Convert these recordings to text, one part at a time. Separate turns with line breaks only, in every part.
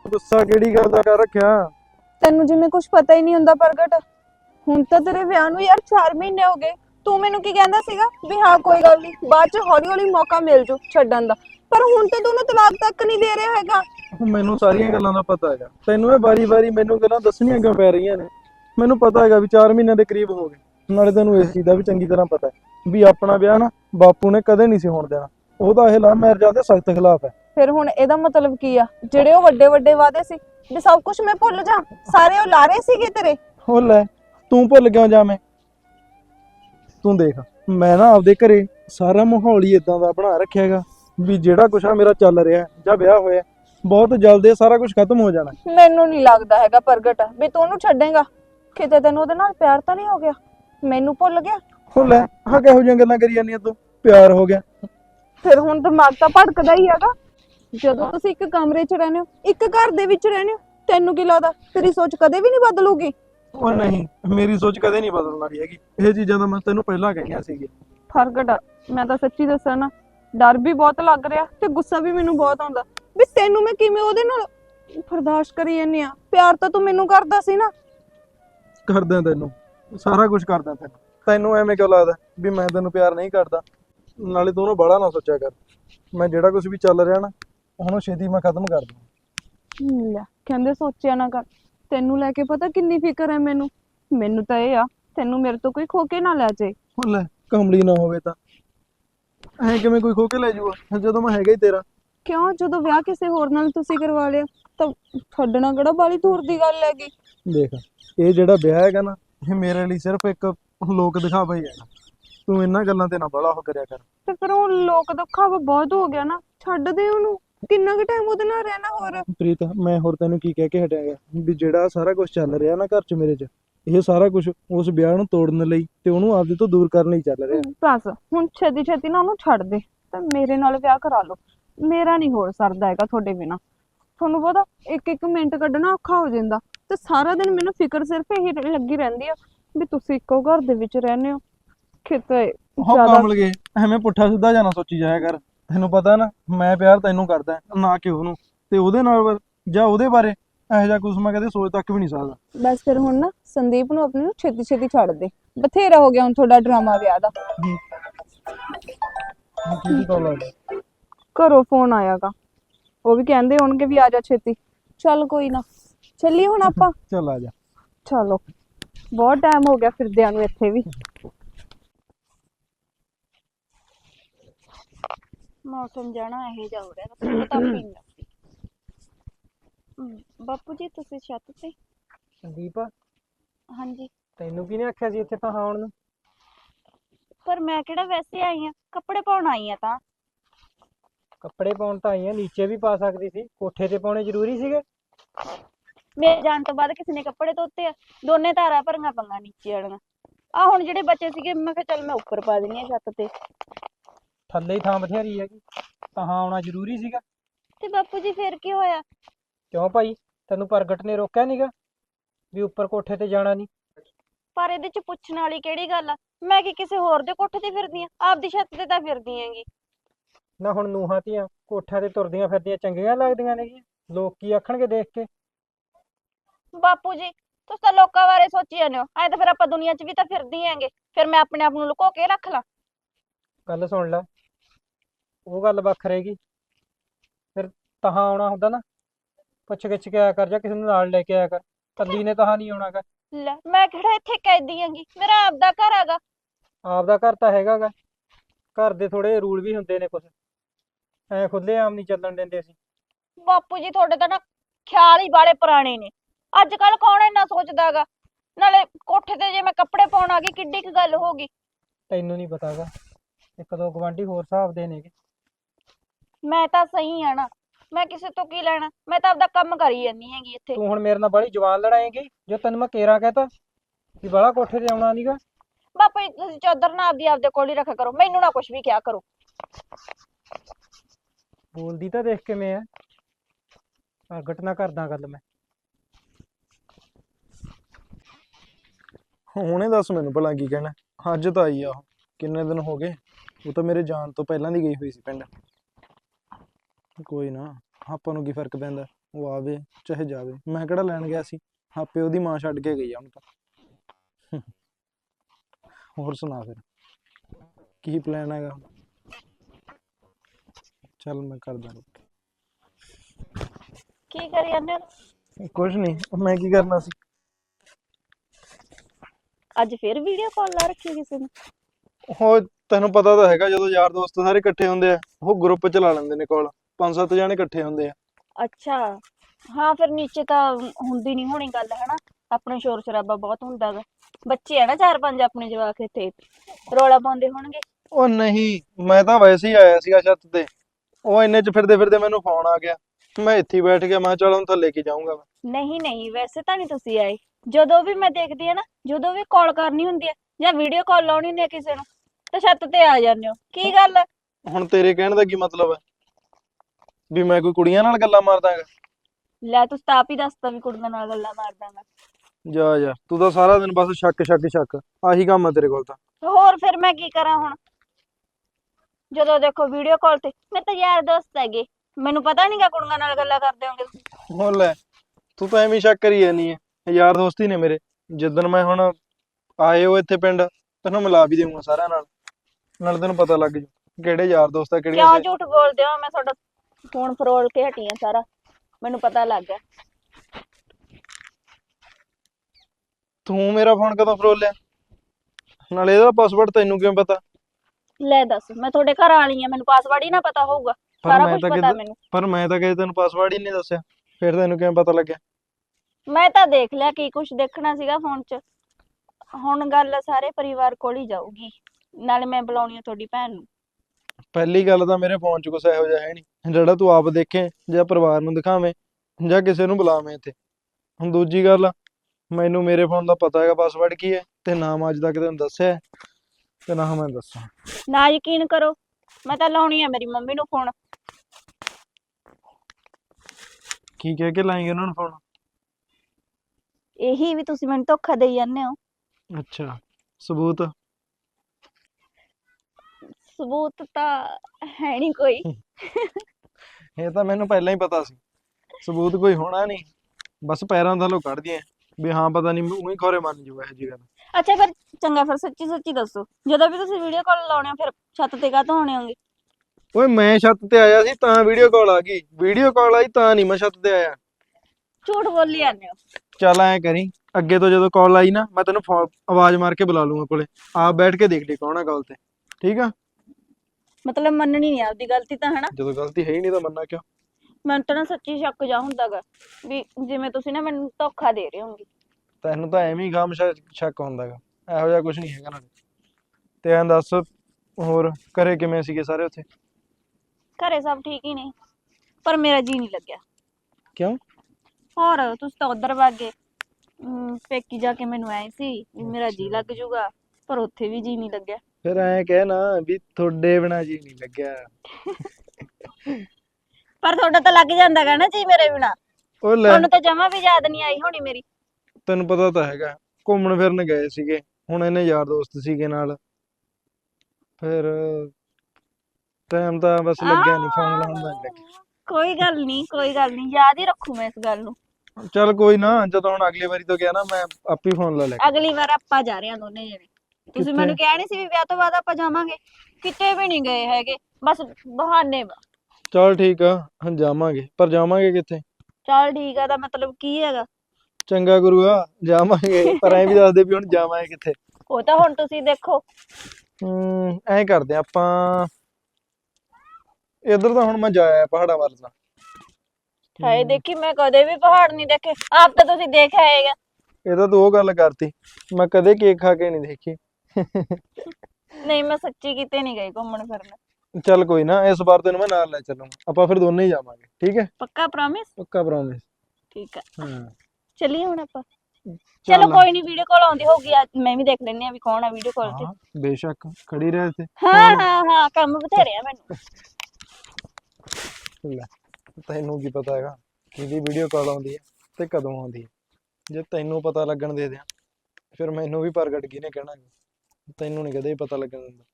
ਗੁੱਸਾ ਕਿਹੜੀ ਗੱਲ ਦਾ ਕਰ ਰੱਖਿਆ?
ਤੈਨੂੰ ਜਿਵੇਂ ਕੁਝ ਪਤਾ ਹੀ ਨਹੀਂ ਹੁੰਦਾ ਪ੍ਰਗਟ। ਹੁਣ ਤਾਂ ਤੇਰੇ ਵਿਆਹ ਨੂੰ ਯਾਰ 4 ਮਹੀਨੇ ਹੋ ਗਏ। ਤੂੰ ਮੈਨੂੰ ਕੀ ਕਹਿੰਦਾ ਸੀਗਾ ਵੀ ਹਾਂ ਕੋਈ ਗੱਲ ਨਹੀਂ, ਬਾਅਦ ਚ ਹੌਲੀ ਹੌਲੀ ਮੌਕਾ ਮਿਲ ਜੂ ਛੱਡਣ ਦਾ। ਪਰ ਹੁਣ ਤਾਂ ਤੂੰ ਉਹਨੂੰ ਤਲਾਕ ਤੱਕ ਨਹੀਂ ਦੇ ਰਿਹਾ ਹੈਗਾ।
ਮੈਨੂੰ ਸਾਰੀਆਂ ਗੱਲਾਂ ਦਾ ਪਤਾ ਹੈਗਾ, ਤੈਨੂੰ ਇਹ ਵਾਰੀ-ਵਾਰੀ ਮੈਨੂੰ ਗੱਲਾਂ ਦੱਸਣੀਆਂ ਕਿਉਂ ਪੈ ਰਹੀਆਂ ਨੇ? ਮੈਨੂੰ ਪਤਾ ਹੈਗਾ ਵੀ 4 ਮਹੀਨਿਆਂ ਦੇ ਕਰੀਬ ਹੋ ਗਏ। ਨਾਲੇ ਤੈਨੂੰ ਇਸ ਚੀਜ਼ ਦਾ ਵੀ ਚੰਗੀ ਤਰ੍ਹਾਂ ਪਤਾ ਹੈ ਵੀ ਆਪਣਾ ਵਿਆਹ ਨਾ ਬਾਪੂ ਨੇ ਕਦੇ ਨਹੀਂ ਸੀ ਹੋਣ ਦੇਣਾ। ਉਹਦਾ ਇਹ ਲਵ ਮੈਰਿਜਾਂ ਦੇ ਸਖਤ ਖਿਲਾਫ ਹੈ।
ਫਿਰ ਹੁਣ ਇਹਦਾ ਮਤਲਬ ਕੀ ਆ? ਜਿਹੜੇ ਉਹ ਵੱਡੇ ਵੱਡੇ ਵਾਅਦੇ ਸੀ ਵੀ ਸਭ ਕੁਝ ਮੈਂ ਭੁੱਲ ਜਾ, ਸਾਰੇ ਉਹ ਲਾਰੇ ਸੀਗੇ ਤੇਰੇ।
ਹੋ ਲੈ, ਤੂੰ ਭੁੱਲ ਕਿਉਂ ਜਾਵੇਂ? ਤੂੰ ਦੇਖ, ਮੈਂ ਨਾ ਆਪਦੇ ਘਰੇ ਸਾਰਾ ਮਾਹੌਲ ਹੀ ਇਦਾਂ ਦਾ ਬਣਾ ਰੱਖਿਆ ਹੈਗਾ ਵੀ ਜਿਹੜਾ ਕੁਛ ਆ ਮੇਰਾ ਚੱਲ ਰਿਹਾ ਜਾਂ ਵਿਆਹ ਹੋਇਆ, ਬਹੁਤ ਜਲਦ ਇਹ ਸਾਰਾ ਕੁਝ ਖਤਮ ਹੋ ਜਾਣਾ।
ਮੈਨੂੰ ਨਹੀਂ ਲੱਗਦਾ ਹੈਗਾ ਪ੍ਰਗਟ ਵੀ ਤੂੰ ਉਹਨੂੰ ਛੱਡੇਗਾ। ਕਿਤੇ ਤੈਨੂੰ ਉਹਦੇ ਨਾਲ ਪਿਆਰ ਤਾਂ ਨਹੀਂ ਹੋ ਗਿਆ? ਮੈਨੂੰ ਭੁੱਲ ਗਿਆ?
ਹੋ ਲੈ, ਆਹ ਕਿਹੋ ਜਿਹੀਆਂ ਗੱਲਾਂ ਕਰੀ ਜਾਂਦੀਆਂ ਤੂੰ? ਪਿਆਰ ਹੋ ਗਿਆ?
ਫਿਰ ਹੁਣ ਦਿਮਾਗ ਤਾਂ ਭਟਕਦਾ ਹੀ ਹੈਗਾ। ਜਦੋਂ ਤੁਸੀਂ ਇੱਕ ਕਮਰੇ 'ਚ ਰਹਿੰਦੇ ਹੋ, ਇੱਕ ਘਰ ਦੇ ਵਿੱਚ ਰਹਿੰਦੇ ਹੋ, ਤੈਨੂੰ ਕੀ ਲੱਗਦਾ ਤੇਰੀ ਸੋਚ ਕਦੇ ਵੀ ਨਹੀਂ ਬਦਲੂਗੀ?
ਉਹ ਨਹੀਂ, ਮੇਰੀ ਸੋਚ ਕਦੇ ਨਹੀਂ ਬਦਲਣ ਵਾਲੀ ਹੈਗੀ। ਇਹ ਚੀਜ਼ਾਂ ਤਾਂ ਮੈਂ ਤੈਨੂੰ ਪਹਿਲਾਂ ਕਹੀਆਂ ਸੀਗੀ।
ਪ੍ਰਗਟ, ਮੈਂ ਤਾਂ ਸੱਚੀ ਦੱਸਾਂ ਨਾ, ਡਰ ਵੀ ਬਹੁਤ ਲੱਗ ਰਿਹਾ ਤੇ ਗੁੱਸਾ ਵੀ ਮੈਨੂੰ ਬਹੁਤ ਆਉਂਦਾ ਵੀ ਤੈਨੂੰ ਮੈਂ ਕਿਵੇਂ ਉਹਦੇ ਨਾਲ ਬਰਦਾਸ਼ਤ ਕਰੀ ਜਾਂਦੀ ਆ। ਪਿਆਰ ਤਾਂ ਤੂੰ ਮੈਨੂੰ ਕਰਦਾ ਸੀ ਨਾ।
ਕਰਦਾ ਤੈਨੂੰ, ਸਾਰਾ ਕੁਝ ਕਰਦਾ ਤੈਨੂੰ। ਤੈਨੂੰ ਐਵੇਂ ਕਿਉਂ ਲੱਗਦਾ ਵੀ ਮੈਂ ਤੈਨੂੰ ਪਿਆਰ ਨਹੀਂ ਕਰਦਾ? ਨਾਲੇ ਤੂੰ ਉਹਨੂੰ ਬਾਹਲਾ ਨਾ ਸੋਚਿਆ ਕਰ। ਮੈਂ ਜਿਹੜਾ ਕੁਝ ਵੀ ਚੱਲ ਰਿਹਾ ਨਾ, ਉਹਨੂੰ ਛੇਤੀ ਮੈਂ ਖਤਮ ਕਰ ਦੂੰ।
ਲੈ, ਕਹਿੰਦੇ ਸੋਚਿਆ ਨਾ ਕਰ। ਤੈਨੂੰ ਲੈ ਕੇ ਪਤਾ ਕਿੰਨੀ ਫਿਕਰ ਹੈ ਮੈਨੂੰ। ਮੈਨੂੰ ਤਾਂ ਇਹ ਆ ਤੈਨੂੰ ਮੇਰੇ ਤੋਂ ਕੋਈ ਖੋ ਕੇ ਨਾ ਲੈ ਜਾਏ।
ਹੁਣ ਲੈ, ਕਮਲੀ ਨਾ ਹੋਵੇ ਤਾਂ ਐਂ ਕਿਵੇਂ ਕੋਈ ਖੋ ਕੇ ਲੈ ਜਾਊਗਾ ਜਦੋਂ ਮੈਂ ਹੈਗਾ ਹੀ ਤੇਰਾ?
ਕਿਉਂ, ਜਦੋਂ ਵਿਆਹ ਕਿਸੇ ਹੋਰ ਨਾਲ ਤੁਸੀਂ ਕਰਵਾ ਲਿਆ ਤਾਂ ਛੱਡਣਾ ਕਿਹੜਾ ਬਾਲੀ ਦੂਰ ਦੀ ਗੱਲ ਹੈਗੀ।
ਦੇਖ, ਇਹ ਜਿਹੜਾ ਵਿਆਹ ਹੈਗਾ ਨਾ, ਇਹ ਮੇਰੇ ਲਈ ਸਿਰਫ ਇੱਕ ਲੋਕ ਦਿਖਾਵਾ ਹੀ ਹੈਗਾ। ਤੂੰ ਇਹਨਾਂ ਗੱਲਾਂ ਤੇ ਨਾ ਬੜਾ ਉਹ ਕਰਿਆ ਕਰ।
ਤੇ ਫਿਰ ਉਹ ਲੋਕ ਦਿਖਾਵਾ ਬਹੁਤ ਹੋ ਗਿਆ ਨਾ, ਛੱਡ ਦੇ ਉਹਨੂੰ। ਕਿੰਨਾ ਕੁ ਟਾਈਮ ਉਹਦੇ ਨਾਲ ਰਹਿਣਾ ਹੋਰ?
ਪ੍ਰੀਤ, ਮੈਂ ਹੋਰ ਤੈਨੂੰ ਕੀ ਕਹਿ ਕੇ ਹਟਿਆਗਾ ਵੀ ਜਿਹੜਾ ਸਾਰਾ ਕੁਝ ਚੱਲ ਰਿਹਾ ਨਾ ਘਰ 'ਚ ਮੇਰੇ 'ਚ, ਇਹ ਸਾਰਾ ਕੁਝ ਉਸ ਵਿਆਹ ਨੂੰ ਤੋੜਨ ਲਈ ਤੇ ਉਹਨੂੰ ਆਪਦੇ ਤੋਂ ਦੂਰ ਕਰਨ ਲਈ ਚੱਲ ਰਿਹਾ।
ਬਸ ਹੁਣ ਛੇਤੀ ਛੇਤੀ ਨਾ ਉਹਨੂੰ ਛੱਡ ਦੇ ਤੇ ਮੇਰੇ ਨਾਲ ਵਿਆਹ ਕਰਾ ਲਓ। ਮੇਰਾ ਨਹੀਂ ਹੋਰ ਸਰਦਾ ਹੈਗਾ ਤੁਹਾਡੇ ਬਿਨਾ। ਤੁਹਾਨੂੰ ਪਤਾ ਇੱਕ ਇੱਕ ਮਿੰਟ ਕੱਢਣਾ ਔਖਾ ਹੋ ਜਾਂਦਾ ਤੇ ਸਾਰਾ ਦਿਨ ਮੈਨੂੰ ਫਿਕਰ ਸਿਰਫ ਇਹੀ ਲੱਗੀ ਰਹਿੰਦੀ ਆ ਵੀ ਤੁਸੀਂ ਇੱਕੋ ਘਰ ਦੇ ਵਿੱਚ ਰਹਿੰਦੇ ਹੋ। ਕਿਤੇ
ਉਹ
ਜ਼ਿਆਦਾ
ਕਮਲ ਗਏ, ਐਵੇਂ ਪੁੱਠਾ ਸਿੱਧਾ ਜਾਣਾ ਸੋਚੀ ਜਾਇਆ ਕਰ। ਤੈਨੂੰ ਪਤਾ ਨਾ, ਮੈਂ ਪਿਆਰ ਤੈਨੂੰ ਕਰਦਾ ਨਾ ਕਿ ਉਹਨੂੰ। ਤੇ ਉਹਦੇ ਨਾਲ ਜਾਂ ਉਹਦੇ ਬਾਰੇ ਇਹੋ ਜਿਹਾ ਕੁਝ ਮੈਂ ਕਦੇ ਸੋਚ ਤੱਕ ਵੀ ਨਹੀਂ ਸਕਦਾ।
ਬਸ ਫਿਰ ਹੁਣ ਨਾ ਸੰਦੀਪ ਨੂੰ ਆਪਣੇ ਨੂੰ ਛੇਤੀ ਛੇਤੀ ਛੱਡ ਦੇ। ਬਥੇਰਾ ਹੋ ਗਿਆ ਹੁਣ ਤੁਹਾਡਾ ਡਰਾਮਾ ਵਿਆਹ ਦਾ।
ਕੀ ਕਾਲ ਆ ਗਈ?
ਘਰੋਂ ਫੋਨ ਆਇਆਗਾ, ਉਹ ਵੀ ਕਹਿੰਦੇ ਹੋਣਗੇ ਵੀ ਆ ਜਾ ਛੇਤੀ। ਚੱਲ ਕੋਈ ਨਾ, ਚੱਲੀਏ ਹੁਣ ਆਪਾਂ।
ਚੱਲ ਆ ਜਾ।
ਚਲੋ, ਬਹੁਤ ਟਾਈਮ ਹੋ ਗਿਆ ਫਿਰਦਿਆਂ ਨੂੰ ਇੱਥੇ ਵੀ।
ਮੌਸਮ ਜਾਣਾ ਇਹੋ ਜਿਹਾ ਹੋ ਰਿਹਾ, ਪਤਾ ਤਾਂ ਪੀਣ ਲੱਗ ਪਈ। ਬਾਪੂ ਜੀ ਤੁਸੀਂ ਛੱਤ ਤੇ?
ਸੰਦੀਪ,
ਹਾਂਜੀ।
ਤੈਨੂੰ ਕਿਹਨੇ ਆਖਿਆ ਸੀ ਇੱਥੇ ਤਾਂ ਆਉਣ ਨੂੰ?
ਪਰ ਮੈਂ ਕਿਹੜਾ ਵੈਸੇ ਆਈ ਆ, ਕੱਪੜੇ ਪਾਉਣ ਆਈ ਆ ਤਾਂ।
ਕੱਪੜੇ ਪਾਉਣ ਤਾਂ ਆਈ ਆ, ਨੀਚੇ ਵੀ ਪਾ ਸਕਦੀ ਸੀ। ਕੋਠੇ ਤੇ ਪਾਉਣੇ ਜ਼ਰੂਰੀ ਸੀਗੇ?
ਮੇਰੇ ਜਾਣ ਤੋਂ ਬਾਅਦ ਕਿਸੇ ਨੇ ਕੱਪੜੇ ਧੋਤੇ ਆ? ਦੋਨੇ ਧਾਰਾਂ ਭਰੀਆਂ ਪੰਗਾ ਨੀਚੇ ਵਾਲੀਆਂ। ਆ ਹੁਣ ਜਿਹੜੇ ਬੱਚੇ ਸੀਗੇ ਮੈਂ ਕਿਹਾ ਚੱਲ ਮੈਂ ਉੱਪਰ ਪਾ ਦਿੰਨੀ ਆ ਛੱਤ ਤੇ।
ਥੱਲੇ ਹੀ ਥਾਂ ਬਥੇਰੀ ਹੈਗੀ, ਤਾਂ ਆਉਣਾ ਜ਼ਰੂਰੀ ਸੀਗਾ?
ਤੇ ਬਾਪੂ ਜੀ ਫੇਰ ਕੀ ਹੋਇਆ?
ਕਿਉਂ ਭਾਈ, ਤੈਨੂੰ ਪ੍ਰਗਟ ਨੇ ਰੋਕਿਆ ਨੀਗਾ ਵੀ ਉੱਪਰ ਕੋਠੇ ਤੇ ਜਾਣਾ ਨਹੀਂ?
ਪਰ ਇਹਦੇ ਚ ਪੁੱਛਣ ਵਾਲੀ ਕਿਹੜੀ ਗੱਲ ਆ? ਮੈਂ ਕੀ ਕਿਸੇ ਹੋਰ ਦੇ ਕੋਠੇ ਤੇ ਫਿਰਦੀ ਆ? ਆਪਦੀ ਛੱਤ ਤੇ ਤਾਂ ਫਿਰਦੀ ਆਂਗੀ।
ਨਾ ਹੁਣ ਨੂੰਹਾਂ ਧੀਆਂ ਕੋਠਿਆਂ ਤੇ ਤੁਰਦੀਆਂ ਫਿਰਦੀਆਂ ਚੰਗੀਆਂ ਲੱਗਦੀਆਂ ਨੇਗੀਆਂ? ਲੋਕ ਕੀ ਆਖਣਗੇ ਦੇਖ ਕੇ?
ਬਾਪੂ ਜੀ ਤੁਸੀਂ ਤਾਂ ਲੋਕਾਂ ਬਾਰੇ ਸੋਚੀ ਜਾਂਦੇ ਹੋ, ਐ ਤਾਂ ਫਿਰ ਆਪਾਂ ਦੁਨੀਆ 'ਚ ਵੀ ਤਾਂ ਫਿਰਦੇ ਆਂਗੇ। ਫਿਰ ਮੈਂ ਆਪਣੇ ਆਪ ਨੂੰ ਲੁਕੋ ਕੇ ਰੱਖ ਲਾਂ?
ਗੱਲ ਸੁਣ ਲੈ, ਉਹ ਗੱਲ ਵੱਖ ਰਹੇਗੀ। ਫਿਰ ਤਹਾਂ ਆਉਣਾ ਹੁੰਦਾ ਨਾ, ਪੁੱਛ ਗਿੱਛ ਕੇ ਆਇਆ ਕਰ ਜਾਂ ਕਿਸੇ ਨੂੰ ਨਾਲ ਲੈ ਕੇ ਆਇਆ ਕਰ। ਕੱਲੀ ਨੇ ਤਹਾਂ ਨਹੀਂ ਆਉਣਾ ਗਾ।
ਲੈ ਮੈਂ ਕਿਹੜਾ ਇੱਥੇ ਕੈਦੀ ਆਂਗੀ, ਮੇਰਾ ਆਪਦਾ ਘਰ ਹੈਗਾ।
ਆਪਦਾ ਘਰ ਤਾਂ ਹੈਗਾ ਗਾ, ਘਰ ਦੇ ਥੋੜੇ ਰੂਲ ਵੀ ਹੁੰਦੇ ਨੇ ਕੁਛ, ਐ ਖੁੱਲੇ ਆਮ ਨਹੀਂ ਚੱਲਣ ਦਿੰਦੇ ਅਸੀਂ।
ਬਾਪੂ ਜੀ ਤੁਹਾਡੇ ਤਾਂ ਨਾ ਖਿਆਲ ਹੀ ਬਾਲੇ ਪੁਰਾਣੇ ਨੇ। ਅੱਜ ਕੱਲ ਕੌਣ ਇੰਨਾ ਸੋਚਦਾ ਗਾ? ਨਾਲੇ ਕੋਠੇ ਤੇ ਜੇ ਮੈਂ ਕੱਪੜੇ ਪਾਉਣ ਆ ਗਈ ਕਿੱਡੀ ਕੁ ਗੱਲ ਹੋ ਗਈ?
ਤੈਨੂੰ ਨਹੀਂ ਪਤਾ ਗਾ, ਇੱਕ ਦੋ ਗਵਾਂਢੀ ਹੋਰ ਹਿਸਾਬ ਦੇ ਨੇਗੇ।
ਮੈਂ ਤਾਂ ਸਹੀ ਆ ਨਾ, ਮੈਂ ਕਿਸੇ ਤੋਂ ਕੀ ਲੈਣਾ? ਮੈਂ ਤਾਂ ਆਪਦਾ ਕੰਮ ਕਰੀ ਜਾਂਦੀ ਹੈਗੀ ਇੱਥੇ।
ਤੂੰ ਹੁਣ ਮੇਰੇ ਨਾਲ ਬੜੀ ਜਵਾਨ ਲੜਾਏਂਗੀ ਜੋ ਤੈਨੂੰ ਮੈਂ ਕੇਰਾਂ ਕਹਤਾ ਵੀ ਬਾਹਲਾ ਕੋਠੇ ਤੇ ਆਉਣਾ ਨਹੀਂਗਾ?
ਬਾਪੂ ਜੀ ਤੁਸੀਂ ਚਾਦਰ ਨਾ ਆਪਦੇ ਕੋਲ ਹੀ ਰੱਖਿਆ ਕਰੋ, ਮੈਨੂੰ ਨਾ ਕੁਛ ਵੀ ਕਿਹਾ ਕਰੋ।
ਬੋਲਦੀ ਤਾਂ ਦੇਖ ਕਿਵੇਂ ਐ। ਪ੍ਰਗਟ ਨਾ ਕਰਦਾ ਗੱਲ ਮੈਂ। ਹੁਣੇ ਦੱਸ ਮੈਨੂੰ ਭਲਾ ਕੀ ਕਹਿਣਾ? ਅੱਜ ਤਾਂ ਆਈ ਆ ਉਹ, ਕਿੰਨੇ ਦਿਨ ਹੋ ਗਏ? ਉਹ ਤਾਂ ਮੇਰੇ ਜਾਣ ਤੋਂ ਪਹਿਲਾਂ ਦੀ ਗਈ ਹੋਈ ਸੀ ਪਿੰਡ। ਕੋਈ ਨਾ, ਆਪਾਂ ਨੂੰ ਕੀ ਫਰਕ ਪੈਂਦਾ? ਉਹ ਆਵੇ ਚਾਹੇ ਜਾਵੇ, ਮੈਂ ਕਿਹੜਾ ਲੈਣ ਗਿਆ ਸੀ, ਆਪੇ ਉਹਦੀ ਮਾਂ ਛੱਡ ਕੇ ਗਈ ਆ ਹੁਣ ਤਾਂ। ਹੋਰ ਸੁਣਾ ਫਿਰ, ਕੀ ਪਲਾਨ ਹੈਗਾ? ਚੱਲ ਮੈਂ ਕਰਦਾ ਰੁਕ
ਕੀ ਕਰੀ ਜਾਂਦੇ ਹੋ?
ਕੇ। ਕੁਛ ਨਹੀਂ, ਮੈਂ ਕੀ ਕਰਨਾ ਸੀ?
ਅੱਜ ਫਿਰ ਵੀਡੀਓ ਕਾਲ ਲਾ ਰੱਖੀ ਕਿਸੇ ਨੇ?
ਉਹ ਤੈਨੂੰ ਪਤਾ ਤਾਂ ਹੈਗਾ, ਜਦੋਂ ਯਾਰ ਦੋਸਤ ਸਾਰੇ ਇਕੱਠੇ ਹੁੰਦੇ ਆ ਉਹ ਗਰੁੱਪ ਚਲਾ ਲੈਂਦੇ ਨੇ ਕਾਲ, 5-7 ਜਣੇ ਇਕੱਠੇ ਹੁੰਦੇ ਆ।
ਅੱਛਾ, ਹਾਂ ਫਿਰ ਨੀਚੇ ਤਾਂ ਹੁੰਦੀ ਨਹੀਂ ਹੋਣੀ ਗੱਲ, ਹਨਾ? ਆਪਣੇ ਸ਼ੋਰ ਸ਼ਰਾਬਾ ਬਹੁਤ ਹੁੰਦਾ ਗਾ। ਬੱਚੇ ਆ ਨਾ 4-5 ਆਪਣੇ ਜਵਾਕ, ਇੱਥੇ ਰੌਲਾ ਪਾਉਂਦੇ ਹੋਣਗੇ।
ਉਹ ਨਹੀਂ, ਮੈਂ ਤਾਂ ਵੈਸੇ ਹੀ ਆਇਆ ਸੀਗਾ ਛੱਤ ਤੇ, ਉਹ ਇੰਨੇ ਚ ਫਿਰਦੇ ਫਿਰਦੇ ਮੈਨੂੰ ਫੋਨ ਆ ਗਿਆ, ਮੈਂ ਇੱਥੇ ਹੀ ਬੈਠ ਗਿਆ, ਮੈਂ ਕਿਹਾ ਚੱਲ ਹੁਣ ਥੱਲੇ ਕੀ ਜਾਊਂਗਾ ਮੈਂ।
ਨਹੀਂ ਨਹੀਂ, ਵੈਸੇ ਤਾਂ ਨਹੀਂ ਤੁਸੀਂ ਆਏ। ਜਦੋਂ ਵੀ ਮੈਂ ਦੇਖਦੀ ਆ ਨਾ, ਜਦੋਂ ਵੀ ਕਾਲ ਕਰਨੀ ਹੁੰਦੀ ਆ ਜਾਂ ਵੀਡੀਓ ਕਾਲ ਲਾਉਣੀ ਹੁੰਦੀ ਆ ਕਿਸੇ ਨੂੰ, ਤਾਂ ਛੱਤ ਤੇ ਆ ਜਾਂਦੇ ਹੋ, ਕੀ ਗੱਲ ਹੈ?
ਹੁਣ ਤੇਰੇ ਕਹਿਣ ਦਾ ਕੀ ਮਤਲਬ ਹੈ, ਵੀ ਮੈਂ ਕੋਈ ਕੁੜੀਆਂ ਨਾਲ ਗੱਲਾਂ ਮਾਰਦਾ ਹੈਗਾ?
ਲੈ ਤੁਸੀਂ ਤਾਂ ਆਪ ਹੀ ਦੱਸਤਾ ਵੀ ਕੁੜੀਆਂ ਨਾਲ ਗੱਲਾਂ ਮਾਰਦਾ ਮੈਂ।
ਜਾ ਯਾਰ, ਤੂੰ ਤਾਂ ਸਾਰਾ ਦਿਨ ਬਸ ਸ਼ੱਕ ਸ਼ੱਕ ਸ਼ੱਕ, ਆਹੀ ਕੰਮ ਹੈ ਤੇਰੇ ਕੋਲ ਤਾਂ।
ਹੋਰ ਫਿਰ ਮੈਂ ਕੀ ਕਰਾਂ ਹੁਣ? ਜਦੋਂ ਦੇਖੋ ਵੀਡੀਓ ਕਾਲ ਤੇ, ਮੈਂ ਤਾਂ ਯਾਰ ਦੋਸਤ ਹੈਗੇ, ਮੈਨੂੰ ਪਤਾ ਨਹੀਂਗਾ ਕੁੜੀਆਂ ਨਾਲ ਗੱਲਾਂ ਕਰਦੇ ਹੋਗੇ ਤੁਸੀਂ।
ਹੋ ਲੈ, ਤੂੰ ਤਾਂ ਐਵੇਂ ਹੀ ਸ਼ੱਕ ਕਰੀ ਜਾਨੀ ਹੈ, ਯਾਰ ਦੋਸਤ ਹੀ ਨੇ ਮੇਰੇ। ਜਿੱਦਣ ਮੈਂ ਹੁਣ ਆਏ ਹੋ ਇੱਥੇ ਪਿੰਡ, ਤੈਨੂੰ ਮਿਲਾ ਵੀ ਦੇਊਂਗਾ ਸਾਰਿਆਂ ਨਾਲ ਤੈਨੂੰ ਪਤਾ ਲੱਗ ਜੂ ਕਿਹੜੇ ਯਾਰ ਦੋਸਤ ਆ, ਕਿਹੜੀਆਂ
ਕਿਉਂ ਝੂਠ ਬੋਲਦੇ ਹੋ? ਮੈਂ ਤੁਹਾਡਾ ਫੋਨ ਫਰੋਲ ਕੇ ਹਟੀ ਆ ਸਾਰਾ, ਮੈਨੂੰ ਪਤਾ ਲੱਗ ਗਿਆ।
ਤੂੰ ਮੇਰਾ ਫੋਨ ਕਦੋਂ ਫਰੋਲਿਆ? ਨਾਲੇ ਇਹਦਾ ਪਾਸਵਰਡ ਤੈਨੂੰ ਕਿਵੇਂ ਪਤਾ?
ਲੈ ਦੱਸ, ਮੈਂ ਤੁਹਾਡੇ ਘਰ ਵਾਲੀ ਆ, ਮੈਨੂੰ ਪਾਸਵਰਡ ਹੀ ਨਾ ਪਤਾ ਹੋਊਗਾ? ਸਾਰਾ ਕੁਝ ਪਤਾ ਮੈਨੂੰ।
ਪਰ ਮੈਂ ਤਾਂ ਕਦੇ ਤੈਨੂੰ ਪਾਸਵਰਡ ਹੀ ਨਹੀਂ ਦੱਸਿਆ, ਫਿਰ ਤੈਨੂੰ ਕਿਵੇਂ ਪਤਾ ਲੱਗਿਆ?
ਮੈਂ ਤਾਂ ਦੇਖ ਲਿਆ ਕੀ ਕੁਝ ਦੇਖਣਾ ਸੀਗਾ ਫੋਨ 'ਚ। ਹੁਣ ਗੱਲ ਸਾਰੇ ਪਰਿਵਾਰ ਕੋਲ ਹੀ ਜਾਊਗੀ, ਨਾਲੇ ਮੈਂ ਬੁਲਾਉਣੀ ਆ ਤੁਹਾਡੀ ਭੈਣ ਨੂੰ।
ਪਹਿਲੀ ਗੱਲ ਤਾਂ ਮੇਰੇ ਫੋਨ 'ਚ ਕੁਛ ਇਹੋ ਜਿਹਾ ਹੈ ਨਹੀਂ ਜਿਹੜਾ ਤੂੰ ਆਪ ਦੇਖੇ ਜਾਂ ਪਰਿਵਾਰ ਨੂੰ ਦਿਖਾਵੇਂ ਜਾਂ ਕਿਸੇ ਨੂੰ ਬੁਲਾਵੇਂ ਇੱਥੇ। ਹੁਣ ਦੂਜੀ ਗੱਲ, ਮੈਨੂੰ ਮੇਰੇ ਫੋਨ ਦਾ ਪਤਾ ਹੈਗਾ ਪਾਸਵਰਡ ਕੀ ਹੈ, ਤੇ ਨਾ ਮੈਂ ਅੱਜ ਤੱਕ ਤੈਨੂੰ ਦੱਸਿਆ ਹੈ, ਤੇ ਨਾ ਮੈਂ ਦੱਸਾਂ।
ਨਾ ਯਕੀਨ ਕਰੋ, ਮੈਂ ਤਾਂ ਲਾਉਣੀ ਆ ਮੇਰੀ ਮੰਮੀ ਨੂੰ ਫੋਨ।
ਕੀ ਕਹਿ ਕੇ ਲਾਏਂਗੇ ਉਹਨਾਂ ਨੂੰ ਫੋਨ?
ਇਹੀ ਵੀ ਤੁਸੀਂ ਮੈਨੂੰ ਧੋਖਾ ਦੇਈ ਜਾਂਦੇ ਹੋ।
ਅੱਛਾ, ਸਬੂਤ?
ਸਬੂਤ ਤਾਂ ਹੈ ਨਹੀਂ ਕੋਈ।
ਇਹ ਤਾਂ ਮੈਨੂੰ ਪਹਿਲਾਂ ਹੀ ਪਤਾ ਸੀ, ਸਬੂਤ ਕੋਈ ਹੋਣਾ ਨਹੀਂ, ਬਸ ਪੈਰਾਂ ਥੱਲੋਂ ਕੱਢ ਦਿਆਂ ਵੀ ਹਾਂ ਪਤਾ ਨਹੀਂ ਉਹੀ ਖੋਰੇ ਮੰਨ ਜੂ ਇਹੋ ਜਿਹੀ ਗੱਲ।
ਅੱਛਾ ਫਿਰ ਚੰਗਾ, ਫਿਰ ਸੱਚੀ ਸੱਚੀ ਦੱਸੋ, ਜਦੋਂ ਵੀ ਤੁਸੀਂ ਵੀਡੀਓ ਕਾਲ ਲਾਉਣੇ ਹੋ ਫਿਰ ਛੱਤ ਤੇ ਕਾਹਤੋਂ ਆਉਣੇ ਹੋਗੇ?
ਓਏ ਮੈਂ ਛੱਤ ਤੇ ਆਇਆ ਸੀ ਤਾਂ ਵੀਡੀਓ ਕਾਲ ਆ ਗਈ, ਵੀਡੀਓ ਕਾਲ ਆਈ ਤਾਂ ਨਹੀਂ ਮੈਂ ਛੱਤ ਤੇ ਆਇਆ।
ਝੂਠ ਬੋਲੀ ਜਾਂਦੇ ਹੋ।
ਚੱਲ ਐਂ ਕਰੀ, ਅੱਗੇ ਤੋਂ ਜਦੋਂ ਕਾਲ ਆਈ ਨਾ ਮੈਂ ਤੈਨੂੰ ਆਵਾਜ਼ ਮਾਰ ਕੇ ਬੁਲਾ ਲੂੰਗਾ ਕੋਲੇ, ਆਪ ਬੈਠ ਕੇ ਦੇਖ ਲਈ ਕੌਣ ਆ ਕਾਲ ਤੇ, ਠੀਕ ਆ?
ਮਤਲਬ ਮੰਨਣੀ ਨਹੀਂ ਆਪਦੀ ਗਲਤੀ ਤਾਂ, ਹਨਾ?
ਜਦੋਂ ਗਲਤੀ ਹੈ ਹੀ ਨਹੀਂ ਤਾਂ ਮੰਨਣਾ ਕਿਉਂ?
ਮੈਨੂੰ ਤਾਂ ਨਾ ਸੱਚੀ ਸ਼ੱਕ ਜਾ ਹੁੰਦਾਗਾ ਵੀ ਜਿਵੇਂ ਤੁਸੀਂ ਨਾ ਮੈਨੂੰ ਧੋਖਾ ਦੇ ਰਹੇ ਹੋਗੇ।
ਤੈਨੂੰ ਤਾਂ ਐਵੇਂ ਹੀ ਗਾਮ ਸ਼ੱਕ ਹੁੰਦਾਗਾ, ਇਹੋ ਜਿਹਾ ਕੁਝ ਨਹੀਂ ਹੈਗਾ ਨਾਲੇ। ਤੇ ਐਂ ਦੱਸ, ਹੋਰ ਘਰੇ ਕਿਵੇਂ ਸੀਗੇ ਸਾਰੇ ਉੱਥੇ?
ਘਰੇ ਸਭ ਠੀਕ ਹੀ ਨੇ, ਪਰ ਮੇਰਾ ਜੀ ਨਹੀਂ ਲੱਗਿਆ।
ਕਿਉਂ?
ਹੋਰ ਤੁਸੀਂ ਤਾਂ ਉਧਰ ਵਗ ਗਏ, ਪੇਕੀ ਜਾ ਕੇ ਮੈਨੂੰ ਐ ਸੀ ਵੀ ਮੇਰਾ ਜੀ ਲੱਗ ਜੂਗਾ, ਪਰ ਉੱਥੇ ਵੀ ਜੀ ਨਹੀਂ ਲੱਗਿਆ।
ਫਿਰ ਐਂ ਕਹਿ ਨਾ ਵੀ ਤੁਹਾਡੇ ਬਿਨਾਂ ਜੀ ਨਹੀਂ ਲੱਗਿਆ।
ਪਰ ਤੁਹਾਡਾ ਤਾਂ ਲੱਗ ਜਾਂਦਾਗਾ ਨਾ ਜੀ ਮੇਰੇ ਬਿਨਾ।
ਉਹ ਲੈ,
ਤੁਹਾਨੂੰ ਤਾਂ ਜਮਾ ਵੀ ਯਾਦ ਨਹੀਂ ਆਈ ਹੋਣੀ ਮੇਰੀ।
ਤੈਨੂੰ ਪਤਾ ਤਾਂ ਹੈਗਾ, ਘੁੰਮਣ ਫਿਰਨ ਗਏ ਸੀਗੇ, ਹੁਣ ਇਹਨੇ ਯਾਰ ਦੋਸਤ ਸੀਗੇ ਨਾਲ, ਫਿਰ ਟਾਈਮ ਤਾਂ ਬਸ ਲੱਗਿਆ ਨਹੀਂ, ਫੋਨ ਲਾਉਣ ਦਾ ਨੀ ਲੱਗਿਆ।
ਕੋਈ ਗੱਲ ਨਹੀਂ, ਕੋਈ ਗੱਲ ਨਹੀਂ, ਯਾਦ ਹੀ ਰੱਖੂ ਮੈਂ ਇਸ ਗੱਲ ਨੂੰ।
ਚੱਲ ਕੋਈ ਨਾ, ਜਦੋਂ ਹੁਣ ਅਗਲੀ ਵਾਰੀ ਤੋਂ ਗਿਆ ਨਾ ਮੈਂ ਆਪੇ ਫੋਨ ਲਾ ਲਿਆ।
ਅਗਲੀ ਵਾਰ ਆਪਾਂ ਜਾ ਰਹੇ ਹਾਂ ਦੋਨੇ ਜਣੇ। ਤੁਸੀਂ
ਕਿੱਥੇ?
ਮੈਨੂੰ ਕਿਹਾ ਨਹੀਂ ਸੀ ਵੀ ਵਿਆਹ ਤੋਂ ਬਾਅਦ ਆਪਾਂ ਜਾਵਾਂਗੇ? ਕਿਤੇ ਵੀ ਨਹੀਂ ਗਏ ਹੈਗੇ, ਬਸ ਬਹਾਨੇ ਵਾ।
ਚੱਲ ਠੀਕ ਆ, ਹੁਣ ਜਾਵਾਂਗੇ, ਪਰ ਜਾਵਾਂਗੇ ਕਿੱਥੇ?
ਚੱਲ ਠੀਕ ਆ, ਦਾ ਮਤਲਬ ਕੀ ਹੈਗਾ?
ਚੰਗਾ ਗੁਰੂਆ, ਜਾਵਾਂਗੇ, ਪਰ ਐਂ ਵੀ ਦੱਸ ਦੇ ਵੀ ਹੁਣ ਜਾਵਾਂਗੇ ਕਿੱਥੇ।
ਉਹ ਤਾਂ ਹੁਣ ਤੁਸੀਂ ਦੇਖੋ।
ਐਂ ਕਰਦੇ ਆਪਾਂ, ਇੱਧਰ ਤਾਂ ਹੁਣ ਮੈਂ ਜਾਇਆ ਪਹਾੜਾਂ ਵੱਲ ਤਾਂ।
ਹਾਏ ਦੇਖੀ, ਮੈਂ ਕਦੇ ਵੀ ਪਹਾੜ ਨਹੀਂ ਦੇਖੇ, ਆਪ ਤਾਂ ਤੁਸੀਂ ਦੇਖਿਆ ਹੈਗਾ।
ਇਹ ਤਾਂ ਤੂੰ ਉਹ ਗੱਲ ਕਰਤੀ, ਮੈਂ ਕਦੇ ਕੇਕ ਖਾ ਕੇ ਨਹੀਂ ਦੇਖੀ।
ਨਹੀਂ, ਮੈਂ ਸੱਚੀ ਕਿਤੇ ਨਹੀਂ ਗਈ ਘੁੰਮਣ ਫਿਰਨ।
ਚੱਲ ਕੋਈ ਨਾ, ਇਸ ਵਾਰ ਤੈਨੂੰ ਮੈਂ ਨਾਲ ਲੈ ਚੱਲੂੰਗਾ, ਆਪਾਂ ਫਿਰ ਦੋਨੇ ਹੀ ਜਾਵਾਂਗੇ, ਠੀਕ ਹੈ?
ਪੱਕਾ ਪ੍ਰੋਮਿਸ?
ਪੱਕਾ ਪ੍ਰੋਮਿਸ।
ਠੀਕ ਆ,
ਹਾਂ
ਚੱਲੀਏ ਹੁਣ ਆਪਾਂ।
ਚੱਲ।
ਚਲੋ ਕੋਈ ਨਹੀਂ, ਵੀਡੀਓ ਕਾਲ ਆਉਂਦੀ ਹੋਊਗੀ, ਮੈਂ ਵੀ ਦੇਖ ਲੈਂਦੀ ਆ ਵੀ ਕੌਣ ਆ ਵੀਡੀਓ ਕਾਲ ਤੇ।
ਹਾਂ ਬੇਸ਼ੱਕ, ਖੜੀ ਰਹਿ ਇੱਥੇ।
ਹਾਂ ਹਾਂ ਹਾਂ, ਕੰਮ ਬਥੇਰੇ ਆ ਮੈਨੂੰ।
ਲੈ, ਤੈਨੂੰ ਕੀ ਪਤਾ ਹੈਗਾ ਕਿਹਦੀ ਵੀਡੀਓ ਕਾਲ ਆਉਂਦੀ ਹੈ ਤੇ ਕਦੋਂ ਆਉਂਦੀ ਹੈ? ਜੇ ਤੈਨੂੰ ਪਤਾ ਲੱਗਣ ਦੇ ਦਿਆਂ, ਫਿਰ ਮੈਨੂੰ ਵੀ ਪ੍ਰਗਟ ਕਿਹਨੇ ਕਹਿਣਾ? ਤੈਨੂੰ ਨਹੀਂ ਕਦੇ ਪਤਾ ਲੱਗਣ ਦਿੰਦਾ।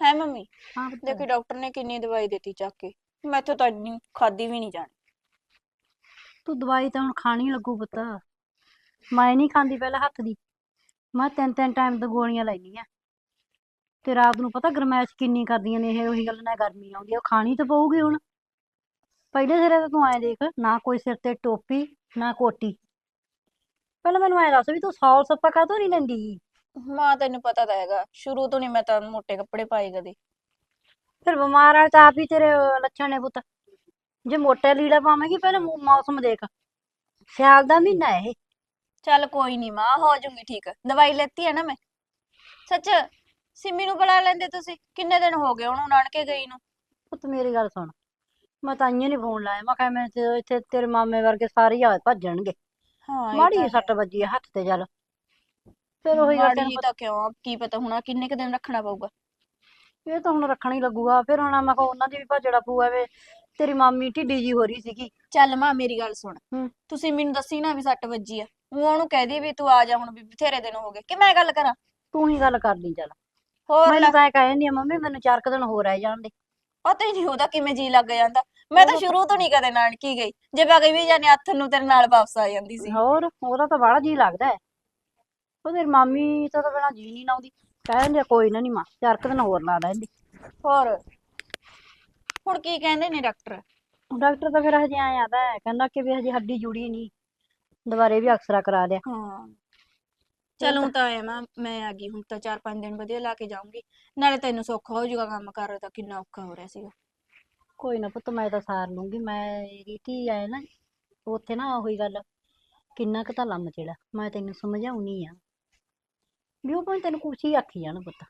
ਹੈ ਮੰਮੀ।
ਹਾਂ ਪੁੱਤ।
ਦੇਖੀ ਡਾਕਟਰ ਨੇ ਕਿੰਨੀ ਦਵਾਈ ਦਿੱਤੀ ਚੱਕ ਕੇ, ਮੈਥੋਂ ਤਾਂ ਇੰਨੀ ਖਾਦੀ ਵੀ ਨਹੀਂ ਜਾਣੀ।
ਤੂੰ ਦਵਾਈ ਤਾਂ ਹੁਣ ਖਾਣੀ ਲੱਗੂ ਪੁੱਤ। ਮੈਂ ਨਹੀਂ ਖਾਂਦੀ ਪਹਿਲਾਂ ਹੱਥ ਦੀ, ਮੈਂ 3-3 ਟਾਈਮ ਤੋਂ ਗੋਲੀਆਂ ਲੈਣੀ ਆ। ਤੇ ਰਾਤ ਨੂੰ ਪਤਾ ਗਰਮੈਸ਼ ਕਿੰਨੀ ਕਰਦੀਆਂ ਨੇ ਇਹ, ਉਹੀ ਗੱਲ ਨਾ ਗਰਮੀ ਆਉਂਦੀ ਆ, ਉਹ ਖਾਣੀ ਤਾਂ ਪਊਗੀ ਹੁਣ। ਪਹਿਲੇ ਸਿਰੇ ਤਾਂ ਤੂੰ ਐਂ ਦੇਖ, ਨਾ ਕੋਈ ਸਿਰ ਤੇ ਟੋਪੀ ਨਾ ਕੋਟੀ। ਪਹਿਲਾਂ ਮੈਨੂੰ ਐਂ ਦੱਸ ਵੀ ਤੂੰ ਸੌਲ ਸੱਪਾ ਕਾਹਤੋਂ ਨਹੀਂ ਲੈਂਦੀ?
ਮਾਂ ਤੈਨੂੰ ਪਤਾ ਤਾਂ ਹੈਗਾ, ਸ਼ੁਰੂ ਤੋਂ ਨਹੀਂ ਮੈਂ ਤਾਂ ਮੋਟੇ ਕੱਪੜੇ ਪਾਏ ਕਦੇ।
ਫਿਰ ਬਿਮਾਰ ਵਾਲੇ ਤਾਂ ਆਪ ਹੀ ਤੇਰੇ ਲੱਛਣ ਨੇ ਪੁੱਤ। ਜੇ ਮੋਟਾ ਲੀੜਾ ਪਾਵੇਂਗੀ, ਪਹਿਲਾਂ ਮੌਸਮ ਦੇਖ, ਸਿਆਲ ਦਾ ਮਹੀਨਾ ਇਹ।
ਚੱਲ ਕੋਈ ਨਹੀਂ ਮਾਂ, ਹੋ ਜਾਊਂਗੀ ਠੀਕ। ਦਵਾਈ ਲੈਤੀ ਹੈ ਨਾ ਮੈਂ। ਸੱਚ, ਸਿੰਮੀ ਨੂੰ ਬੁਲਾ ਲੈਂਦੇ ਤੁਸੀਂ, ਕਿੰਨੇ ਦਿਨ ਹੋ ਗਏ ਉਹਨੂੰ ਨਾਨਕੇ ਗਈ ਨੂੰ।
ਪੁੱਤ ਮੇਰੀ ਗੱਲ ਸੁਣ, ਮੈਂ ਤਾਂ ਆਈਆਂ ਨੀ ਫੋਨ ਲਾਇਆ, ਮੈਂ ਕਿਹਾ ਮੈਂ ਇੱਥੇ ਤੇਰੇ ਮਾਮੇ ਵਰਗੇ ਸਾਰੇ ਹੀ ਆ ਭੱਜਣਗੇ।
ਹਾਂ ਇਹ
ਮਾੜੀ
ਤਾਂ
ਜਿਹੀ ਸੱਟ
ਹੈ।
ਵੱਜੀ ਆ ਹੱਥ ਤੇ, ਚੱਲ ਫਿਰ ਉਹੀ ਗੱਲ
ਮਾੜੀ
ਤੈਨੂੰ
ਜੀ
ਪਤਾ।
ਤਾਂ ਕਿਉਂ, ਕੀ ਪਤਾ ਹੁਣ ਕਿੰਨੇ ਕੁ ਦਿਨ ਰੱਖਣਾ ਪਊਗਾ।
ਇਹ ਤਾਂ ਹੁਣ ਰੱਖਣਾ ਹੀ ਲੱਗੂਗਾ। ਫਿਰ ਹੁਣ ਮੈਂ ਕਿਹਾ ਉਹਨਾਂ ਦੀ ਵੀ ਭੱਜੜਾ ਪਊਆ ਵੇ। ਤੇਰੀ ਮਾਮੀ ਢਿੱਡੀ ਜੀ ਹੋ ਰਹੀ ਸੀਗੀ।
ਚੱਲ ਮਾਂ ਮੇਰੀ ਗੱਲ ਸੁਣ,
ਹੂੰ।
ਤੁਸੀਂ ਮੈਨੂੰ ਦੱਸੀ ਨਾ ਵੀ ਸੱਟ ਵੱਜੀ ਆ, ਉਹ ਉਹਨੂੰ ਕਹਿ ਦੀ ਵੀ ਤੂੰ ਆ ਜਾ ਹੁਣ, ਵੀ ਬਥੇਰੇ ਦਿਨ ਹੋ ਗਏ, ਕਿ ਮੈਂ ਗੱਲ ਕਰਾਂ।
ਤੂੰ ਹੀ ਗੱਲ ਕਰ ਲਈ ਚੱਲ।
ਹੋਰ ਲੈ,
ਮੈਨੂੰ ਤਾਂ ਇਹ ਕਹਿ ਜਾਂਦੀ ਆ ਮੰਮੀ ਮੈਨੂੰ 4 ਕੁ ਦਿਨ ਹੋਰ ਰਹਿ ਜਾਣ ਦੇ।
ਪਤਾ ਹੀ ਨਹੀਂ ਉਹਦਾ ਕਿਵੇਂ ਜੀ ਲੱਗ ਜਾਂਦਾ। ਮੈਂ ਤਾਂ ਸ਼ੁਰੂ ਤੋਂ ਨਹੀਂ ਕਦੇ ਨਾਨਕੀ ਗਈ, ਜੇ ਵਗ ਵੀ ਜਾਨੇ ਹੱਥ ਨੂੰ ਤੇਰੇ ਨਾਲ ਵਾਪਸ ਆ ਜਾਂਦੀ ਸੀ।
ਹੋਰ ਉਹਦਾ ਤਾਂ ਬੜਾ ਜੀ ਲੱਗਦਾ ਹੈ। ਉਹ ਤੇਰੀ ਮਾਮੀ ਤਾਂ ਬਿਨਾਂ ਜੀ ਨਹੀਂ ਲਾਉਂਦੀ। ਕਹਿ ਦਿੰਦੀ ਆ ਕੋਈ ਨਾ ਨੀ ਮਾਂ 4 ਕੁ ਦਿਨ ਹੋਰ ਲਾ ਲੈਂਦੀ।
ਹੋਰ ਹੁਣ ਕੀ ਕਹਿੰਦੇ ਨੇ ਡਾਕਟਰ?
ਡਾਕਟਰ ਤਾਂ ਫਿਰ ਹਜੇ ਆਇਆ ਆਦਾ, ਕਹਿੰਦਾ ਕਿ ਵੀ ਹਜੇ ਹੱਡੀ ਜੁੜੀ ਨਹੀਂ, ਦੁਬਾਰੇ ਵੀ ਅਕਸਰਾ ਕਰਾ ਲਿਆ।
ਹਾਂ ਚਲੋ ਤਾਂ ਐ ਮੈਂ ਆ ਗਈ ਹੁਣ, ਤਾਂ 4-5 ਦਿਨ ਵਧੀਆ ਲਾ ਕੇ ਜਾਊਂਗੀ, ਨਾਲੇ ਤੈਨੂੰ ਸੌਖਾ ਹੋ ਜਾਊਗਾ, ਕੰਮ ਕਰ ਤਾਂ ਕਿੰਨਾ ਔਖਾ ਹੋ ਰਿਹਾ ਸੀਗਾ।
ਕੋਈ ਨਾ ਪੁੱਤ ਮੈਂ ਤਾਂ ਸਾਰ ਲੂੰਗੀ। ਮੇਰੀ ਧੀ ਆਏ ਨਾ ਉੱਥੇ ਨਾ ਉਹੀ ਗੱਲ, ਕਿੰਨਾ ਕੁ ਤਾਂ ਲੰਮ ਚੇੜਾ ਮੈਂ ਤੈਨੂੰ ਸਮਝਾਉਣੀ ਆ ਵੀ ਉਹ ਭਾਵੇਂ ਤੈਨੂੰ ਕੁਛ ਹੀ ਆਖੀ ਜਾਣ ਪੁੱਤ।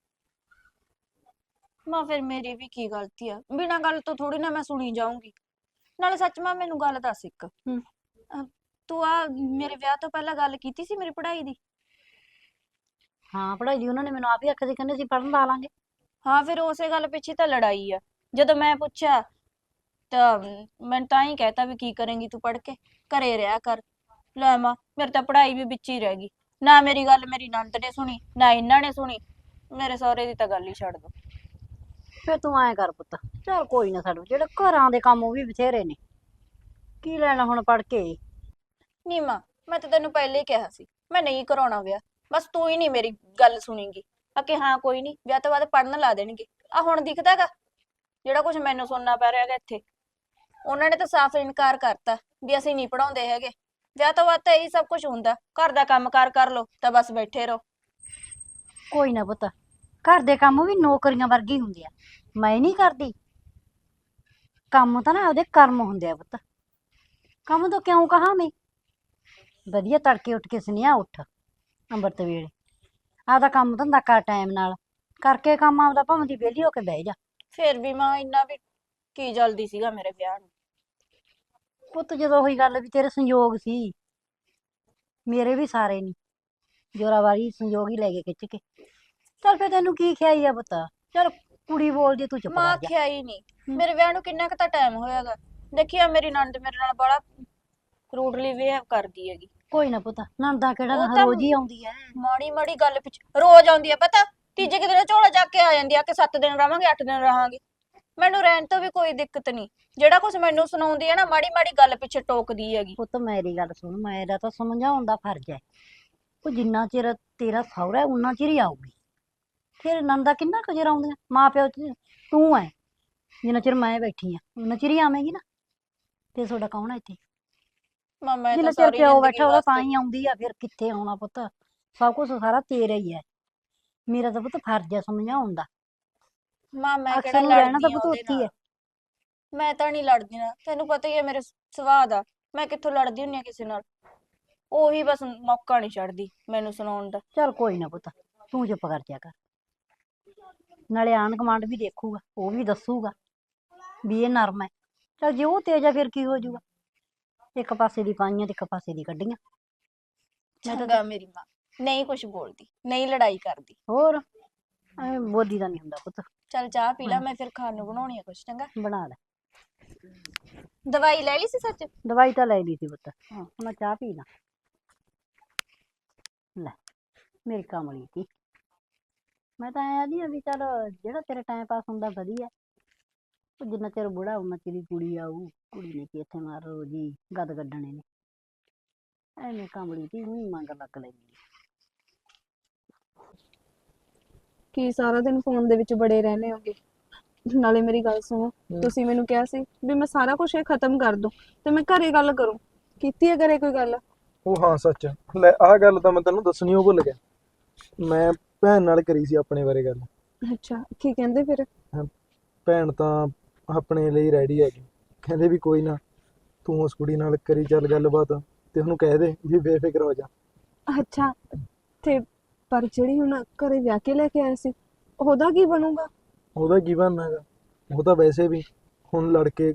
ਮਾਂ ਫਿਰ ਮੇਰੀ ਵੀ ਕੀ ਗਲਤੀ ਆ, ਬਿਨਾਂ ਗੱਲ ਤੋਂ ਥੋੜੀ ਨਾ ਮੈਂ ਸੁਣੀ ਜਾਊਂਗੀ। ਨਾਲੇ ਸੱਚ ਮਾਂ ਮੈਨੂੰ ਗੱਲ ਦੱਸ ਇੱਕ,
ਹੂੰ।
ਤੂੰ ਆ ਮੇਰੇ ਵਿਆਹ ਤੋਂ ਪਹਿਲਾਂ ਗੱਲ ਕੀਤੀ ਸੀ ਮੇਰੀ ਪੜ੍ਹਾਈ ਦੀ?
ਹਾਂ ਪੜ੍ਹਾਈ ਦੀ ਉਹਨਾਂ ਨੇ ਮੈਨੂੰ ਆਪ ਹੀ ਆਖਿਆ ਸੀ, ਕਹਿੰਦੇ ਸੀ ਪੜ੍ਹਨ ਲਾ ਲਾਂਗੇ।
ਹਾਂ ਫਿਰ ਉਸੇ ਗੱਲ ਪਿੱਛੇ ਤਾਂ ਲੜਾਈ ਆ। ਜਦੋਂ ਮੈਂ ਪੁੱਛਿਆ ਤਾਂ ਮੈਂ ਤਾਂ ਹੀ ਕਹਿਤਾ ਵੀ ਕੀ ਕਰੇਂਗੀ ਤੂੰ ਪੜ੍ਹ ਕੇ, ਘਰੇ ਰਿਹਾ ਕਰ। ਲੈ ਮਾਂ ਮੇਰੇ ਤਾਂ ਪੜ੍ਹਾਈ ਵੀ ਵਿੱਚ ਹੀ ਰਹਿ ਗਈ, ਨਾ ਮੇਰੀ ਗੱਲ ਮੇਰੀ ਨਣਦ ਨੇ ਸੁਣੀ ਨਾ ਇਹਨਾਂ ਨੇ ਸੁਣੀ, ਮੇਰੇ ਸਹੁਰੇ ਦੀ ਤਾਂ ਗੱਲ ਹੀ ਛੱਡ ਦੋ।
ਫਿਰ ਤੂੰ ਐਂ ਕਰ ਪੁੱਤ, ਚੱਲ ਕੋਈ ਨਾ, ਸਾਡੇ ਜਿਹੜੇ ਘਰਾਂ ਦੇ ਕੰਮ ਉਹ ਵੀ ਬਥੇਰੇ ਨੇ, ਕੀ ਲੈਣਾ ਹੁਣ ਪੜ੍ਹ ਕੇ।
ਨੀ ਮਾਂ ਮੈਂ ਤਾਂ ਤੈਨੂੰ ਪਹਿਲੇ ਹੀ ਕਿਹਾ ਸੀ ਮੈਂ ਨਹੀਂ ਕਰਾਉਣਾ ਵਿਆਹ, ਬਸ ਤੂੰ ਹੀ ਨਹੀਂ ਮੇਰੀ ਗੱਲ ਸੁਣੀਗੀ। ਕਿ ਹਾਂ ਕੋਈ ਨਹੀਂ ਵਿਆਹ ਤੋਂ ਬਾਅਦ ਪੜ੍ਹਨ ਲਾ ਦੇਣਗੇ। ਆ ਹੁਣ ਦਿਖਦਾਗਾ ਜਿਹੜਾ ਕੁਝ ਮੈਨੂੰ ਸੁਣਨਾ ਪੈ ਰਿਹਾ ਹੈਗਾ ਇੱਥੇ, ਉਹਨਾਂ ਨੇ ਤਾਂ ਸਾਫ਼ ਇਨਕਾਰ ਕਰਤਾ ਵੀ ਅਸੀਂ ਨਹੀਂ ਪੜਾਉਂਦੇ ਹੈਗੇ। ਵਿਆਹ ਤੋਂ ਬਾਅਦ ਤਾਂ ਇਹੀ ਸਭ ਕੁਝ ਹੁੰਦਾ, ਘਰ ਦਾ ਕੰਮ ਕਾਰ ਕਰ ਲੋ ਤਾਂ ਬਸ ਬੈਠੇ ਰਹੋ।
ਕੋਈ ਨਾ ਪੁੱਤ, ਘਰ ਦੇ ਕੰਮ ਵੀ ਨੌਕਰੀਆਂ ਵਰਗੀ ਹੁੰਦੇ ਆ, ਮੈਂ ਨਹੀਂ ਕਰਦੀ ਕੰਮ ਤਾਂ ਨਾ ਉਹਦੇ ਕਰਮ ਹੁੰਦੇ ਆ ਪੁੱਤ। ਕੰਮ ਤੋਂ ਕਿਉਂ ਕਹਾਂ ਮੈਂ, ਵਧੀਆ ਤੜਕੇ ਉੱਠ ਕੇ ਸੁਨੇਹਾ ਉੱਠ ਅੰਮ੍ਰਿਤ ਵੇਲੇ, ਆਪਦਾ ਕੰਮ ਧੰਦਾ ਕਰ ਟਾਈਮ ਨਾਲ ਕਰਕੇ, ਕੰਮ ਆਪਦਾ ਭਾਵੇਂ ਦੀ ਵਿਹਲੀ ਹੋ ਕੇ ਬਹਿ ਜਾ।
ਫੇਰ ਵੀ ਮਾਂ ਇੰਨਾ ਵੀ ਕੀ ਜਲਦੀ ਸੀਗਾ ਮੇਰੇ ਵਿਆਹ ਨੂੰ।
ਪੁੱਤ ਜਦੋਂ ਉਹੀ ਗੱਲ ਵੀ ਤੇਰੇ ਸੰਯੋਗ ਸੀ, ਮੇਰੇ ਵੀ ਸਾਰੇ ਨਹੀਂ, ਜੋਰਾਵਾਰੀ ਸੰਯੋਗ ਹੀ ਲੈ ਕੇ ਖਿੱਚ ਕੇ। ਚੱਲ ਫਿਰ ਤੈਨੂੰ ਕੀ ਖਿਆਈ ਆ ਪੁੱਤ, ਚੱਲ ਕੁੜੀ ਬੋਲਦੀ ਤੂੰ ਚੁੱਪ
ਮਾਂ
ਕਰ ਜਾ।
ਆਖਿਆ ਹੀ ਨਹੀਂ ਮੇਰੇ ਵਿਆਹ ਨੂੰ ਕਿੰਨਾ ਕੁ ਤਾਂ ਟਾਈਮ ਹੋਇਆਗਾ। ਦੇਖਿਆ ਮੇਰੀ ਨਣਦ ਮੇਰੇ ਨਾਲ ਬੜਾ ਰੂਡਲੀ ਬਿਹੇਵ ਕਰਦੀ ਹੈਗੀ।
ਕੋਈ ਨਾ ਪੁੱਤ, ਨਣਦਾ ਕਿਹੜਾ
ਉਹ ਤਾਂ
ਰੋਜ਼ ਹੀ ਆਉਂਦੀ ਐ।
ਮਾੜੀ ਮਾੜੀ ਗੱਲ ਪਿੱਛੇ ਰੋਜ਼ ਆਉਂਦੀ ਹੈ ਪਤਾ, ਤੀਜੇ ਕੁ ਦਿਨ ਝੋਲਾ ਚੱਕ ਕੇ ਆ ਜਾਂਦੀ ਆ ਕਿ 7 ਦਿਨ ਰਵਾਂਗੇ 8 ਦਿਨ ਰਹਾਂਗੇ। ਮੈਨੂੰ ਰਹਿਣ ਤੋਂ ਵੀ ਕੋਈ ਦਿੱਕਤ ਨਹੀਂ, ਜਿਹੜਾ ਕੁਝ ਮੈਨੂੰ ਸੁਣਾਉਂਦੀ ਹੈ ਨਾ ਮਾੜੀ ਮਾੜੀ ਗੱਲ ਪਿੱਛੇ ਟੋਕਦੀ ਹੈਗੀ।
ਪੁੱਤ ਮੇਰੀ ਗੱਲ ਸੁਣ, ਮੇਰਾ ਤਾਂ ਸਮਝਾਉਣ ਦਾ ਫਰਜ਼ ਹੈ। ਉਹ ਜਿੰਨਾ ਚਿਰ ਤੇਰਾ ਸਹੁਰਾ ਹੈ ਉਨਾ ਚਿਰ ਹੀ ਆਊਗੀ, ਫਿਰ ਨਣਦਾ ਕਿੰਨਾ ਕੁ ਚਿਰ ਆਉਂਦੀਆਂ, ਮਾਂ ਪਿਓ ਤੂੰ ਐ, ਜਿੰਨਾ ਚਿਰ ਮੈਂ ਬੈਠੀ ਆ ਉਨਾ ਚਿਰ ਹੀ ਆਵੇਂਗੀ ਨਾ। ਤੇ ਤੁਹਾਡਾ ਕੌਣ ਹੈ ਇੱਥੇ?
ਮਾਂ ਮੈਂ
ਜਿੰਨਾ
ਤਾਂ
ਚਿਰ
ਸਾਰੀ
ਪਿਓ
ਜ਼ਿੰਦਗੀ
ਬੈਠਾ ਉਹਦਾ ਤਾਂ
ਵਾਸਤੇ
ਹੀ ਆਉਂਦੀ ਆ, ਫਿਰ ਕਿੱਥੇ ਆਉਣਾ ਪੁੱਤ, ਸਭ ਕੁਝ ਸਾਰਾ ਤੇਰਾ ਹੀ ਹੈ। ਮੇਰਾ ਤਾਂ ਪੁੱਤ ਫਰਜ਼ ਹੈ ਸਮਝਾਉਣ ਦਾ।
ਮਾਂ ਮੈਂ
ਅਕਸਰ
ਕਿਹੜਾ
ਨੂੰ ਰਹਿਣਾ ਤਾਂ
ਲੜਦੀ ਆ
ਪੁੱਤ
ਉਹਦੇ
ਉੱਥੇ ਹੀ
ਨਾਲ,
ਹੈ।
ਮੈਂ ਤਾਂ ਨਹੀਂ ਲੜਦੀ ਨਾ, ਤੈਨੂੰ ਪਤਾ ਹੀ ਹੈ ਮੇਰੇ ਸੁਭਾਅ ਦਾ, ਮੈਂ ਕਿੱਥੋਂ ਲੜਦੀ ਹੁੰਨੀ ਆ ਕਿਸੇ ਨਾਲ। ਉਹੀ ਬਸ ਮੌਕਾ ਨਹੀਂ ਛੱਡਦੀ ਮੈਨੂੰ ਸੁਣਾਉਣ ਦਾ।
ਚੱਲ ਕੋਈ ਨਾ ਪੁੱਤ, ਤੂੰ ਚੁੱਪ ਕਰ ਜਾ ਕਰ, ਨਾਲੇ ਆਂਢ ਗੁਆਂਢ ਵੀ ਦੇਖੂਗਾ, ਉਹ ਵੀ ਦੱਸੂਗਾ ਵੀ ਇਹ ਨਰਮ ਹੈ। ਚੱਲ ਜੇ ਉਹ ਤੇਜ ਆ ਫਿਰ ਕੀ ਹੋ ਜਾਊਗਾ, ਇੱਕ ਪਾਸੇ ਦੀ ਪਾਈਆਂ ਤੇ ਇੱਕ ਪਾਸੇ ਦੀ ਕੱਢੀਆਂ। ਮੈਂ ਤਾਂ
ਚੰਗਾ ਮੇਰੀ ਮਾਂ ਨਹੀਂ ਕੁਝ ਬੋਲਦੀ, ਨਹੀਂ ਲੜਾਈ ਕਰਦੀ।
ਹੋਰ ਐਵੇਂ ਬੋਲੀ ਦਾ ਨਹੀਂ ਹੁੰਦਾ ਪੁੱਤ।
ਚੱਲ ਚਾਹ ਪੀ ਲਾ, ਮੈਂ ਫਿਰ ਖਾਣ ਨੂੰ ਬਣਾਉਣੀ ਆ ਕੁਛ। ਚੰਗਾ
ਬਣਾ ਲੈ।
ਦਵਾਈ ਲੈ ਲਈ ਸੀ ਸੱਚ?
ਦਵਾਈ ਤਾਂ ਲੈ ਲਈ ਸੀ ਪੁੱਤ, ਹਾਂ ਹੁਣ ਚਾਹ ਪੀ ਲਾ। ਲੈ ਮੇਰੀ ਕਮਲੀ ਤੀ, ਮੈਂ ਤਾਂ ਐਂ ਆਦੀ ਆ ਵੀ ਚੱਲ ਜਿਹੜਾ ਤੇਰਾ ਟਾਈਮ ਪਾਸ ਹੁੰਦਾ ਵਧੀਆ। ਉਹ ਜਿੰਨਾ ਚਿਰ ਬੁੜਾ ਉਹਨਾਂ ਚਿਰ ਹੀ ਕੁੜੀ ਆਊ। ਕੁੜੀ ਨੇ ਕੀ ਇੱਥੇ ਮਾਰ ਜੀ ਗਦ ਕੱਢਣੇ ਨੇ। ਐਵੇਂ ਕਾਮੜੀ ਦੀ ਊਂ ਮੰਗ ਲੱਗ ਲੈਂਦੀ ਆ।
ਕੀ ਸਾਰਾ ਦਿਨ ਫੋਨ ਦੇ ਵਿੱਚ ਬੜੇ ਰਹਿੰਦੇ ਹੋਗੇ। ਨਾਲੇ ਮੇਰੀ ਗੱਲ ਸੁਣੋ, ਤੁਸੀਂ ਮੈਨੂੰ ਕਿਹਾ ਸੀ ਵੀ ਮੈਂ ਸਾਰਾ ਕੁਝ ਇਹ ਖਤਮ ਕਰ ਦੂੰ ਤੇ ਮੈਂ ਘਰੇ ਗੱਲ ਕਰੂੰ। ਕੀਤੀ ਹੈ ਘਰੇ ਕੋਈ ਗੱਲ?
ਉਹ ਹਾਂ ਸੱਚ, ਲੈ ਆਹ ਗੱਲ ਤਾਂ ਮੈਂ ਤੈਨੂੰ ਦੱਸਣੀ ਉਹ ਭੁੱਲ ਗਿਆ। ਮੈਂ ਭੈਣ ਨਾਲ ਕਰੀ ਸੀ ਆਪਣੇ ਬਾਰੇ ਗੱਲ।
ਅੱਛਾ, ਕੀ ਕਹਿੰਦੇ ਫਿਰ?
ਭੈਣ ਤਾਂ ਆਪਣੇ ਲਈ ਰੈਡੀ ਹੈਗੀ। ਕਹਿੰਦੇ ਵੀ ਕੋਈ ਨਾ, ਤੂੰ ਉਸ ਕੁੜੀ ਨਾਲ ਕਰੀ ਚੱਲ ਗੱਲਬਾਤ ਤੇ ਉਹਨੂੰ ਕਹਿ ਦੇ ਵੀ ਬੇਫਿਕਰ ਹੋ ਜਾ।
ਅੱਛਾ, ਤੇ ਪਰ ਜਿਹੜੀ ਹੁਣ ਘਰੇ ਵਿਆਹ ਕੇ ਲੈ ਕੇ ਆਏ ਸੀ, ਉਹਦਾ ਕੀ ਬਣੂਗਾ?
ਉਹਦਾ ਕੀ ਬਣਨਾ ਹੈਗਾ? ਉਹ ਤਾਂ ਵੈਸੇ ਵੀ ਹੁਣ ਲੜ ਕੇ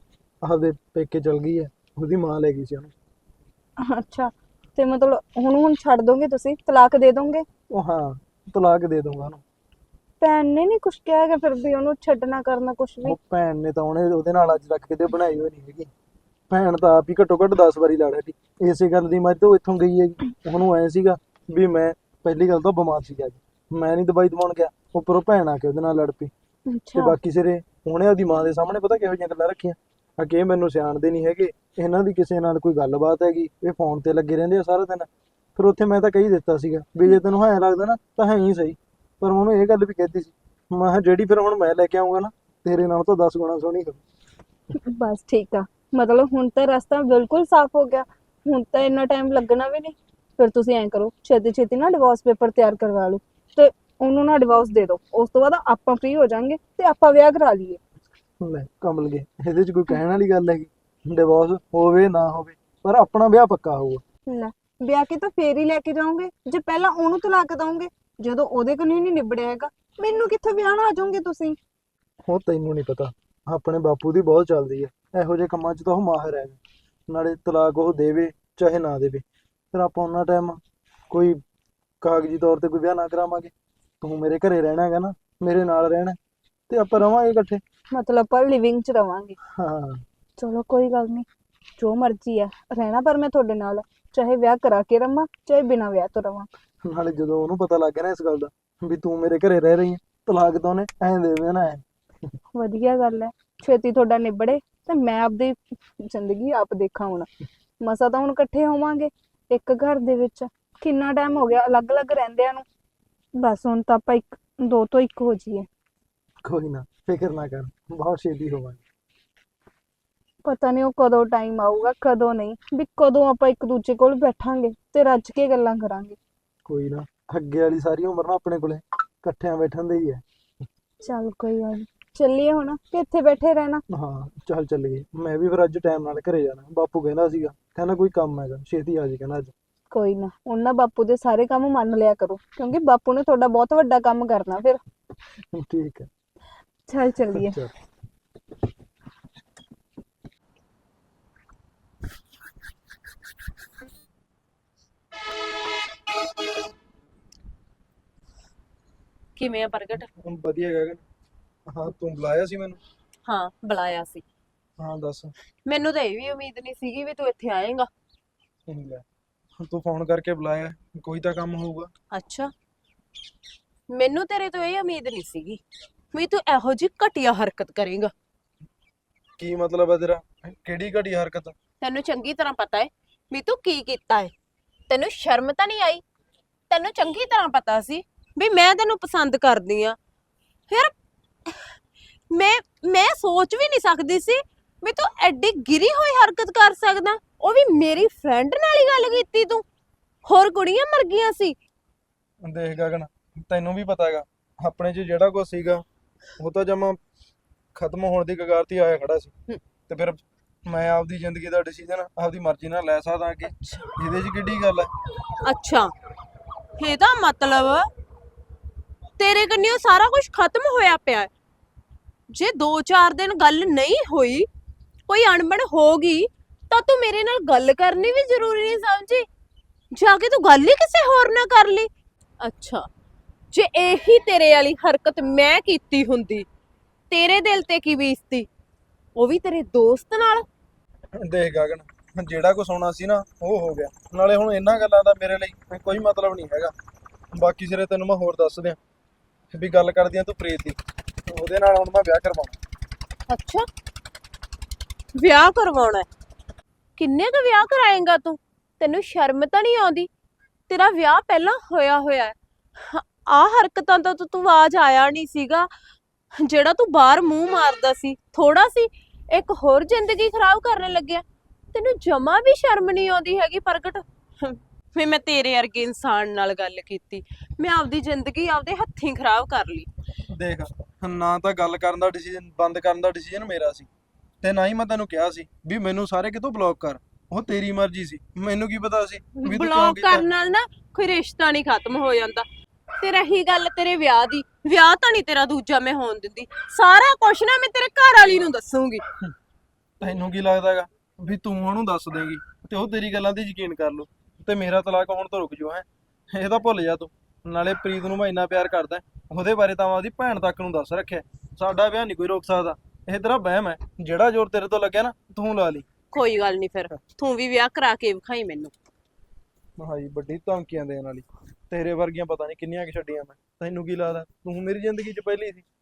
ਆਪਦੇ ਪੇਕੇ ਚਲ ਗਈ ਹੈ। ਉਹਦੀ ਮਾਂ ਲੈ ਗਈ ਸੀ ਉਹਨੂੰ।
ਅੱਛਾ, ਤੇ ਮਤਲਬ ਹੁਣ ਛੱਡ ਦੋਗੇ ਤੁਸੀਂ? ਤਲਾਕ ਦੇ ਦੋਗੇ?
ਉਹ ਹਾਂ, ਤਲਾਕ ਦੇ ਦੂੰਗਾ ਉਹਨੂੰ।
ਭੈਣ ਨੇ ਨਹੀਂ ਕੁਝ ਕਿਹਾ ਹੈਗਾ ਫਿਰ ਵੀ ਉਹਨੂੰ ਛੱਡਣਾ ਕਰਨਾ ਕੁਝ ਵੀ?
ਉਹ ਭੈਣ ਨੇ ਤਾਂ ਉਹਦੇ ਨਾਲ ਅੱਜ ਤੱਕ ਕਿਤੇ ਬਣਾਈ ਹੋਈ ਨਹੀਂ ਹੈਗੀ। ਭੈਣ ਤਾਂ ਆਪ ਹੀ ਘੱਟੋ ਘੱਟ 10 ਵਾਰੀ ਲੜ ਹਟੀ ਇਸੇ ਗੱਲ ਦੀ। ਮੈਂ ਤਾਂ ਇੱਥੋਂ ਗਈ ਹੈਗੀ, ਉਹਨੂੰ ਐ ਸੀਗਾ ਵੀ ਮੈਂ ਪਹਿਲੀ ਗੱਲ ਤਾਂ ਬਿਮਾਰ ਸੀਗਾ ਜੀ, ਮੈਂ ਨਹੀਂ ਦਵਾਈ ਦਵਾਉਣ ਗਿਆ, ਉੱਪਰੋਂ ਭੈਣ ਆ ਕੇ ਉਹਦੇ ਨਾਲ ਲੜ ਪਈ। ਤੇ
ਅੱਛਾ,
ਬਾਕੀ ਸਿਰੇ ਉਹਨੇ ਆਪਦੀ ਮਾਂ ਦੇ ਸਾਹਮਣੇ ਪਤਾ ਕਿਹੋ ਜਿਹੀਆਂ ਗੱਲਾਂ ਰੱਖੀਆਂ ਆ ਕਿ ਇਹ ਮੈਨੂੰ ਸਿਆਣਦੇ ਨਹੀਂ ਹੈਗੇ, ਇਹਨਾਂ ਦੀ ਕਿਸੇ ਨਾਲ ਕੋਈ ਗੱਲਬਾਤ ਹੈਗੀ, ਇਹ ਫੋਨ ਤੇ ਲੱਗੇ ਰਹਿੰਦੇ ਆ ਸਾਰਾ ਦਿਨ। ਫਿਰ ਉੱਥੇ ਮੈਂ ਤਾਂ ਕਹੀ ਦਿੱਤਾ ਸੀਗਾ ਵੀ ਜੇ ਤੈਨੂੰ ਐਂ ਲੱਗਦਾ ਨਾ ਤਾਂ ਹੈ ਹੀ ਸਹੀ। ਪਰ ਉਹਨੂੰ ਇਹ ਗੱਲ ਵੀ ਕਹਿਤੀ ਸੀ, ਮੈਂ ਕਿਹਾ ਜਿਹੜੀ ਫਿਰ ਹੁਣ ਮੈਂ ਲੈ ਕੇ ਆਊਂਗਾ ਨਾ, ਤੇਰੇ ਨਾਲ ਤਾਂ 10 ਗੁਣਾ ਸੋਹਣੀ ਹੋਊ।
ਬਸ ਠੀਕ ਆ। ਮਤਲਬ ਹੁਣ ਤਾਂ ਰਸਤਾ ਬਿਲਕੁਲ ਸਾਫ਼ ਹੋ ਗਿਆ। ਹੁਣ ਤਾਂ ਇੰਨਾ ਟਾਈਮ ਲੱਗਣਾ ਵੀ ਨਹੀਂ। ਫਿਰ ਤੁਸੀਂ ਐਂ ਕਰੋ, ਛੇਤੀ ਛੇਤੀ ਨਾ ਡਿਵੋਰਸ ਪੇਪਰ ਤਿਆਰ ਕਰਵਾ ਲਓ ਤੇ ਉਹਨੂੰ ਨਾ ਡਿਵੋਰਸ ਦੇ ਦਿਓ। ਉਸ ਤੋਂ ਬਾਅਦ ਆਪਾਂ ਫ੍ਰੀ ਹੋ ਜਾਾਂਗੇ ਤੇ ਆਪਾਂ ਵਿਆਹ ਕਰਾ ਲਈਏ।
ਲੈ ਕਮਲ ਗਏ, ਇਹਦੇ 'ਚ ਕੋਈ ਕਹਿਣ ਵਾਲੀ ਗੱਲ ਹੈਗੀ? ਡਿਵੋਰਸ ਹੋਵੇ ਨਾ ਹੋਵੇ, ਪਰ ਆਪਣਾ ਵਿਆਹ ਪੱਕਾ ਹੋਊਗਾ।
ਲੈ, ਵਿਆਹ ਕੇ ਤਾਂ ਫੇਰ ਹੀ ਲੈ ਕੇ ਜਾਓਗੇ ਜੇ ਪਹਿਲਾਂ ਉਹਨੂੰ ਤਲਾਕ ਦਓਗੇ। ਜਦੋਂ ਉਹਦੇ ਕੋਲ ਨਹੀਂ ਨਿਬੜਿਆ ਹੈਗਾ, ਮੈਨੂੰ ਕਿੱਥੇ ਵਿਆਹਣ ਆ ਜਾਓਗੇ ਤੁਸੀਂ?
ਉਹ ਤੈਨੂੰ ਨਹੀਂ ਪਤਾ, ਆਪਣੇ ਬਾਪੂ ਦੀ ਬਹੁਤ ਚੱਲਦੀ ਹੈ ਇਹੋ ਜਿਹੇ ਕੰਮਾਂ 'ਚ, ਤਾਂ ਉਹ ਮਾਹਿਰ ਹੈ। ਨਾਲੇ ਤਲਾਕ ਉਹ ਦੇਵੇ ਚਾਹੇ ਨਾ ਦੇਵੇ, ਫਿਰ ਆਪਾਂ ਉਹਨਾਂ ਟਾਈਮ ਕੋਈ ਕਾਗਜ਼ੀ ਤੌਰ ਤੇ ਕੋਈ ਵਿਆਹ ਨਾ ਕਰਾਵਾਂਗੇ। ਤੂੰ ਮੇਰੇ ਘਰੇ ਰਹਿਣਾ ਹੈਗਾ ਨਾ, ਮੇਰੇ ਨਾਲ ਰਹਿਣਾ ਤੇ ਆਪਾਂ ਰਵਾਂਗੇ ਇਕੱਠੇ।
ਮਤਲਬ ਪਰ ਲਿਵਿੰਗ 'ਚ ਰਵਾਂਗੇ?
ਹਾਂ,
ਚਲੋ ਕੋਈ ਗੱਲ ਨਹੀਂ, ਜੋ ਮਰਜ਼ੀ ਆ ਰਹਿਣਾ ਪਰ ਮੈਂ ਤੁਹਾਡੇ ਨਾਲ, ਚਾਹੇ ਵਿਆਹ ਕਰਾ ਕੇ ਰਵਾਂ ਚਾਹੇ ਬਿਨਾਂ ਵਿਆਹ ਤੋਂ ਰਵਾਂ।
ਨਾਲੇ ਜਦੋਂ ਉਹਨੂੰ ਪਤਾ ਲੱਗ ਗਿਆ ਨਾ ਇਸ ਗੱਲ ਦਾ ਵੀ ਤੂੰ ਮੇਰੇ ਘਰੇ ਰਹਿ ਰਹੀ ਹੈ, ਤਲਾਕ ਤਾਂ ਉਹਨੇ ਐਂ ਦੇ ਦੇਣਾ ਹੈ।
ਵਧੀਆ ਗੱਲ ਹੈ, ਛੇਤੀ ਤੁਹਾਡਾ ਨਿਬੜੇ ਤੇ ਮੈਂ ਆਪਦੀ ਜ਼ਿੰਦਗੀ ਆਪ ਦੇਖਾਂ। ਹੁਣ ਮਸਾ ਤਾਂ ਹੁਣ ਇਕੱਠੇ ਹੋਵਾਂਗੇ ਇੱਕ ਘਰ ਦੇ ਵਿੱਚ। ਕਿੰਨਾ ਟਾਈਮ ਹੋ ਗਿਆ ਅਲੱਗ-ਅਲੱਗ ਰਹਿੰਦਿਆਂ ਨੂੰ। ਬਸ ਹੁਣ ਤਾਂ ਆਪਾਂ ਦੋ ਤੋਂ ਇੱਕ ਹੋ ਜਾਈਏ।
ਕੋਈ ਨਾ, ਫਿਕਰ ਨਾ ਕਰ, ਬਹੁਤ ਛੇਤੀ ਹੋਵਾਂਗੇ।
ਪਤਾ ਨਹੀਂ ਉਹ ਕਦੋਂ ਟਾਈਮ ਆਊਗਾ ਕਦੋਂ ਨਹੀਂ, ਵੀ ਕਦੋਂ ਆਪਾਂ ਇੱਕ ਦੂਜੇ ਕੋਲ ਬੈਠਾਂਗੇ ਤੇ ਰੱਜ ਕੇ ਗੱਲਾਂ ਕਰਾਂਗੇ।
ਕੋਈ ਨਾ, ਅੱਗੇ ਵਾਲੀ ਸਾਰੀ ਉਮਰ ਨਾ ਆਪਣੇ ਕੋਲੇ ਇਕੱਠਿਆਂ ਬੈਠਣ ਦੀ ਹੀ ਹੈ।
ਚੱਲ ਕੋਈ ਗੱਲ ਨੀ, ਚੱਲੀਏ ਹੁਣ ਕਿ ਇੱਥੇ ਬੈਠੇ ਰਹਿਣਾ?
ਹਾਂ ਚੱਲ ਚੱਲੀਏ, ਮੈਂ ਵੀ ਫਿਰ ਅੱਜ ਟਾਈਮ ਨਾਲ ਘਰੇ ਜਾਣਾ। ਬਾਪੂ ਕਹਿੰਦਾ ਸੀਗਾ, ਕਹਿੰਦਾ ਕੋਈ ਕੰਮ ਹੈਗਾ ਛੇਤੀ ਆ ਜੀ, ਕਹਿੰਦਾ ਅੱਜ।
ਕੋਈ ਨਾ, ਉਹਨਾਂ ਬਾਪੂ ਦੇ ਸਾਰੇ ਕੰਮ ਮੰਨ ਲਿਆ ਕਰੋ ਕਿਉਂਕਿ ਬਾਪੂ ਨੇ ਤੁਹਾਡਾ ਬਹੁਤ ਵੱਡਾ ਕੰਮ ਕਰਨਾ ਫਿਰ।
ਠੀਕ ਹੈ,
ਚੱਲ ਚੱਲੀਏ।
ਚੱਲ।
ਕਿਵੇਂ ਆ ਪ੍ਰਗਟ?
ਵਧੀਆ ਗਗਨ। ਹਾਂ ਤੂੰ ਬੁਲਾਇਆ ਸੀ ਮੈਨੂੰ?
ਹਾਂ ਬੁਲਾਇਆ ਸੀ।
ਹਾਂ ਦੱਸ।
ਮੈਨੂੰ ਤਾਂ ਇਹ ਵੀ ਉਮੀਦ ਨਹੀਂ ਸੀਗੀ ਵੀ ਤੂੰ ਇੱਥੇ ਆਏਂਗਾ।
ਲੈ, ਤੂੰ ਫੋਨ ਕਰਕੇ ਬੁਲਾਇਆ, ਕੋਈ ਤਾਂ ਕੰਮ ਹੋਊਗਾ।
ਅੱਛਾ, ਮੈਨੂੰ ਤੇਰੇ ਤੋਂ ਇਹ ਉਮੀਦ ਨਹੀਂ ਸੀਗੀ ਵੀ ਤੂੰ ਇਹੋ ਜਿਹੀ ਘਟੀਆ ਹਰਕਤ ਕਰੇਂਗਾ।
ਕੀ ਮਤਲਬ ਹੈ ਤੇਰਾ? ਕਿਹੜੀ ਘਟੀ ਹਰਕਤ?
ਤੈਨੂੰ ਚੰਗੀ ਤਰ੍ਹਾਂ ਪਤਾ ਹੈ ਵੀ ਤੂੰ ਕੀ ਕੀਤਾ ਹੈ। ਤੈਨੂੰ ਸ਼ਰਮ ਤਾਂ ਨਹੀਂ ਆਈ? ਤੈਨੂੰ ਚੰਗੀ ਤਰ੍ਹਾਂ ਪਤਾ ਸੀ ਵੀ ਮੈਂ ਤੈਨੂੰ ਪਸੰਦ ਕਰਦੀ ਆ। ਫਿਰ ਮੈਂ ਸੋਚ ਵੀ ਨਹੀਂ ਸਕਦੀ ਸੀ ਵੀ ਤੂੰ ਐਡੀ ਗਿਰੀ ਹੋਈ ਹਰਕਤ ਕਰ ਸਕਦਾ, ਉਹ ਵੀ ਮੇਰੀ ਫਰੈਂਡ ਨਾਲ ਹੀ ਗੱਲ ਕੀਤੀ ਤੂੰ। ਹੋਰ ਕੁੜੀਆਂ ਮਰ ਗਈਆਂ ਸੀ।
ਦੇਖ ਗਗਨ, ਤੈਨੂੰ ਵੀ ਪਤਾ ਹੈਗਾ ਆਪਣੇ 'ਚ ਜਿਹੜਾ ਕੁਝ ਸੀਗਾ ਉਹ ਤਾਂ ਜਮਾ ਖਤਮ ਹੋਣ ਦੀ ਕਗਾਰ ਤੇ ਆਇਆ ਖੜਾ ਸੀ। ਤੇ ਫਿਰ ਮੈਂ ਆਪਦੀ ਜ਼ਿੰਦਗੀ ਦਾ ਡਿਸੀਜਨ ਆਪਦੀ ਮਰਜ਼ੀ ਨਾਲ ਲੈ ਸਕਦਾ ਅੱਗੇ, ਇਹਦੇ 'ਚ ਕਿੱਡੀ ਗੱਲ ਹੈ?
ਅੱਛਾ, ਇਹਦਾ ਮਤਲਬ ਤੇਰੇ ਕੰਨਿਓ ਸਾਰਾ ਕੁਝ ਖਤਮ ਹੋਇਆ ਪਿਆ ਹੈ। ਜੇ 2-4 ਦਿਨ ਗੱਲ ਨਹੀਂ ਹੋਈ, ਕੋਈ ਅਣਬਣ ਹੋ ਗਈ, ਤਾਂ ਤੂੰ ਮੇਰੇ ਨਾਲ ਗੱਲ ਕਰਨੀ ਵੀ ਜ਼ਰੂਰੀ ਨਹੀਂ ਸਮਝੀ? ਜਾ ਕੇ ਤੂੰ ਗੱਲ ਹੀ ਕਿਸੇ ਹੋਰ ਨਾਲ ਕਰ ਲਈ। ਅੱਛਾ, ਜੇ ਇਹੀ ਤੇਰੇ ਵਾਲੀ ਹਰਕਤ ਮੈਂ ਕੀਤੀ ਹੁੰਦੀ, ਤੇਰੇ ਦਿਲ ਤੇ ਕੀ ਬੀਤਦੀ, ਉਹ ਵੀ ਤੇਰੇ ਦੋਸਤ ਨਾਲ?
ਦੇਖ ਗਗਨ, ਜਿਹੜਾ ਕੁਛ ਹੋਣਾ ਸੀ ਨਾ ਉਹ ਹੋ ਗਿਆ। ਨਾਲੇ ਹੁਣ ਇਹਨਾਂ ਗੱਲਾਂ ਦਾ ਮੇਰੇ ਲਈ ਕੋਈ ਮਤਲਬ ਨਹੀਂ ਹੈਗਾ। ਬਾਕੀ ਸਿਰੇ ਤੈਨੂੰ ਮੈਂ ਹੋਰ ਦੱਸ ਦਿਆਂ, ਵੀ ਗੱਲ ਕਰਦੀ ਆ ਤੂੰ ਪ੍ਰੀਤ ਦੀ, ਉਹਦੇ ਨਾਲ ਹੁਣ ਮੈਂ ਵਿਆਹ ਕਰਵਾਉਣਾ।
ਅੱਛਾ, ਵਿਆਹ ਕਰਵਾਉਣਾ ਹੈ? ਕਿੰਨੇ ਕੁ ਵਿਆਹ ਕਰਾਏਂਗਾ ਤੂੰ? ਤੈਨੂੰ ਸ਼ਰਮ ਤਾਂ ਨਹੀਂ ਆਉਂਦੀ? ਤੇਰਾ ਵਿਆਹ ਪਹਿਲਾਂ ਹੋਇਆ ਹੋਇਆ ਹੈ। ਆ ਹਰਕਤਾਂ ਤੋਂ ਤੂੰ ਆਵਾਜ਼ ਆਇਆ ਨਹੀਂ ਸੀਗਾ। ਜਿਹੜਾ ਤੂੰ ਬਾਹਰ ਮੂੰਹ ਮਾਰਦਾ ਸੀ ਥੋੜਾ ਸੀ, ਇੱਕ ਹੋਰ ਜ਼ਿੰਦਗੀ ਖਰਾਬ ਕਰਨ ਲੱਗਿਆ। ਤੈਨੂੰ ਜਮਾ ਵੀ ਸ਼ਰਮ ਨਹੀਂ ਆਉਂਦੀ ਹੈਗੀ ਪ੍ਰਗਟ? ਵੀ ਮੈਂ ਤੇਰੇ ਵਰਗੇ ਇਨਸਾਨ ਨਾਲ ਗੱਲ ਕੀਤੀ, ਮੈਂ ਆਪਦੀ ਜ਼ਿੰਦਗੀ ਆਪਦੇ ਹੱਥੀਂ ਖਰਾਬ ਕਰ ਲਈ।
ਦੇਖ, ਨਾ ਤਾਂ ਗੱਲ ਕਰਨ ਦਾ ਡਿਸੀਜਨ ਬੰਦ ਕਰਨ ਦਾ ਡਿਸੀਜਨ ਮੇਰਾ ਸੀ, ਤੇ ਨਾ ਹੀ ਮੈਂ ਤੈਨੂੰ ਕਿਹਾ ਸੀ ਵੀ ਮੈਨੂੰ ਸਾਰੇ ਕਿਤੋਂ ਬਲੌਕ ਕਰ। ਉਹ ਤੇਰੀ ਮਰਜ਼ੀ ਸੀ, ਮੈਨੂੰ ਕੀ ਪਤਾ ਸੀ ਵੀ ਤੂੰ ਕਿਉਂ
ਬਲੌਕ
ਕੀਤਾ।
ਕਰਨ ਨਾਲ ਨਾ ਕੋਈ ਰਿਸ਼ਤਾ ਨਹੀਂ ਖਤਮ ਹੋ ਜਾਂਦਾ। ਤੇ ਰਹੀ ਗੱਲ ਤੇਰੇ ਵਿਆਹ ਦੀ, ਵਿਆਹ ਤਾਂ ਨਹੀਂ ਤੇਰਾ ਦੂਜਾ ਮੈਂ ਹੋਣ ਦਿੰਦੀ। ਸਾਰਾ ਕੁਛ ਨਾ ਮੈਂ ਤੇਰੇ ਘਰ ਵਾਲੀ ਨੂੰ ਦੱਸੂਗੀ।
ਤੈਨੂੰ ਕੀ ਲੱਗਦਾਗਾ ਵੀ ਤੂੰ ਉਹਨੂੰ ਦੱਸ ਦੇਂਗੀ ਤੇ ਉਹ ਤੇਰੀ ਗੱਲਾਂ ਤੇ ਯਕੀਨ ਕਰ ਲੂ ਤੇ ਮੇਰਾ ਤਲਾਕ ਹੋਣ ਤੋਂ ਰੁਕ ਜਾਓ? ਇਹ ਤਾਂ ਭੁੱਲ ਜਾ ਤੂੰ। ਨਾਲੇ ਪ੍ਰੀਤ ਨੂੰ ਮੈਂ ਇੰਨਾ ਪਿਆਰ ਕਰਦਾ, ਉਹਦੇ ਬਾਰੇ ਤਾਂ ਮੈਂ ਉਹਦੀ ਭੈਣ ਤੱਕ ਨੂੰ ਦੱਸ ਰੱਖਿਆ। ਸਾਡਾ ਵਿਆਹ ਨਹੀਂ ਕੋਈ ਰੋਕ ਸਕਦਾ। ਇਹ ਤੇਰਾ ਵਹਿਮ ਹੈ, ਜਿਹੜਾ ਜ਼ੋਰ ਤੇਰੇ ਤੋਂ ਲੱਗਿਆ ਨਾ ਤੂੰ ਲਾ ਲਈ।
ਕੋਈ ਗੱਲ ਨਹੀਂ, ਫਿਰ ਤੂੰ ਵੀ ਵਿਆਹ ਕਰਾ ਕੇ ਵਿਖਾਈ ਮੈਨੂੰ।
ਹਾਈ ਵੱਡੀ ਧਮਕੀਆਂ ਦੇਣ ਵਾਲੀ, ਤੇਰੇ ਵਰਗੀਆਂ ਪਤਾ ਨਹੀਂ ਕਿੰਨੀਆਂ ਕਿ ਛੱਡੀਆਂ ਮੈਂ। ਤੈਨੂੰ ਕੀ ਲੱਗਦਾ ਤੂੰ ਮੇਰੀ ਜ਼ਿੰਦਗੀ 'ਚ ਪਹਿਲੀ ਸੀ?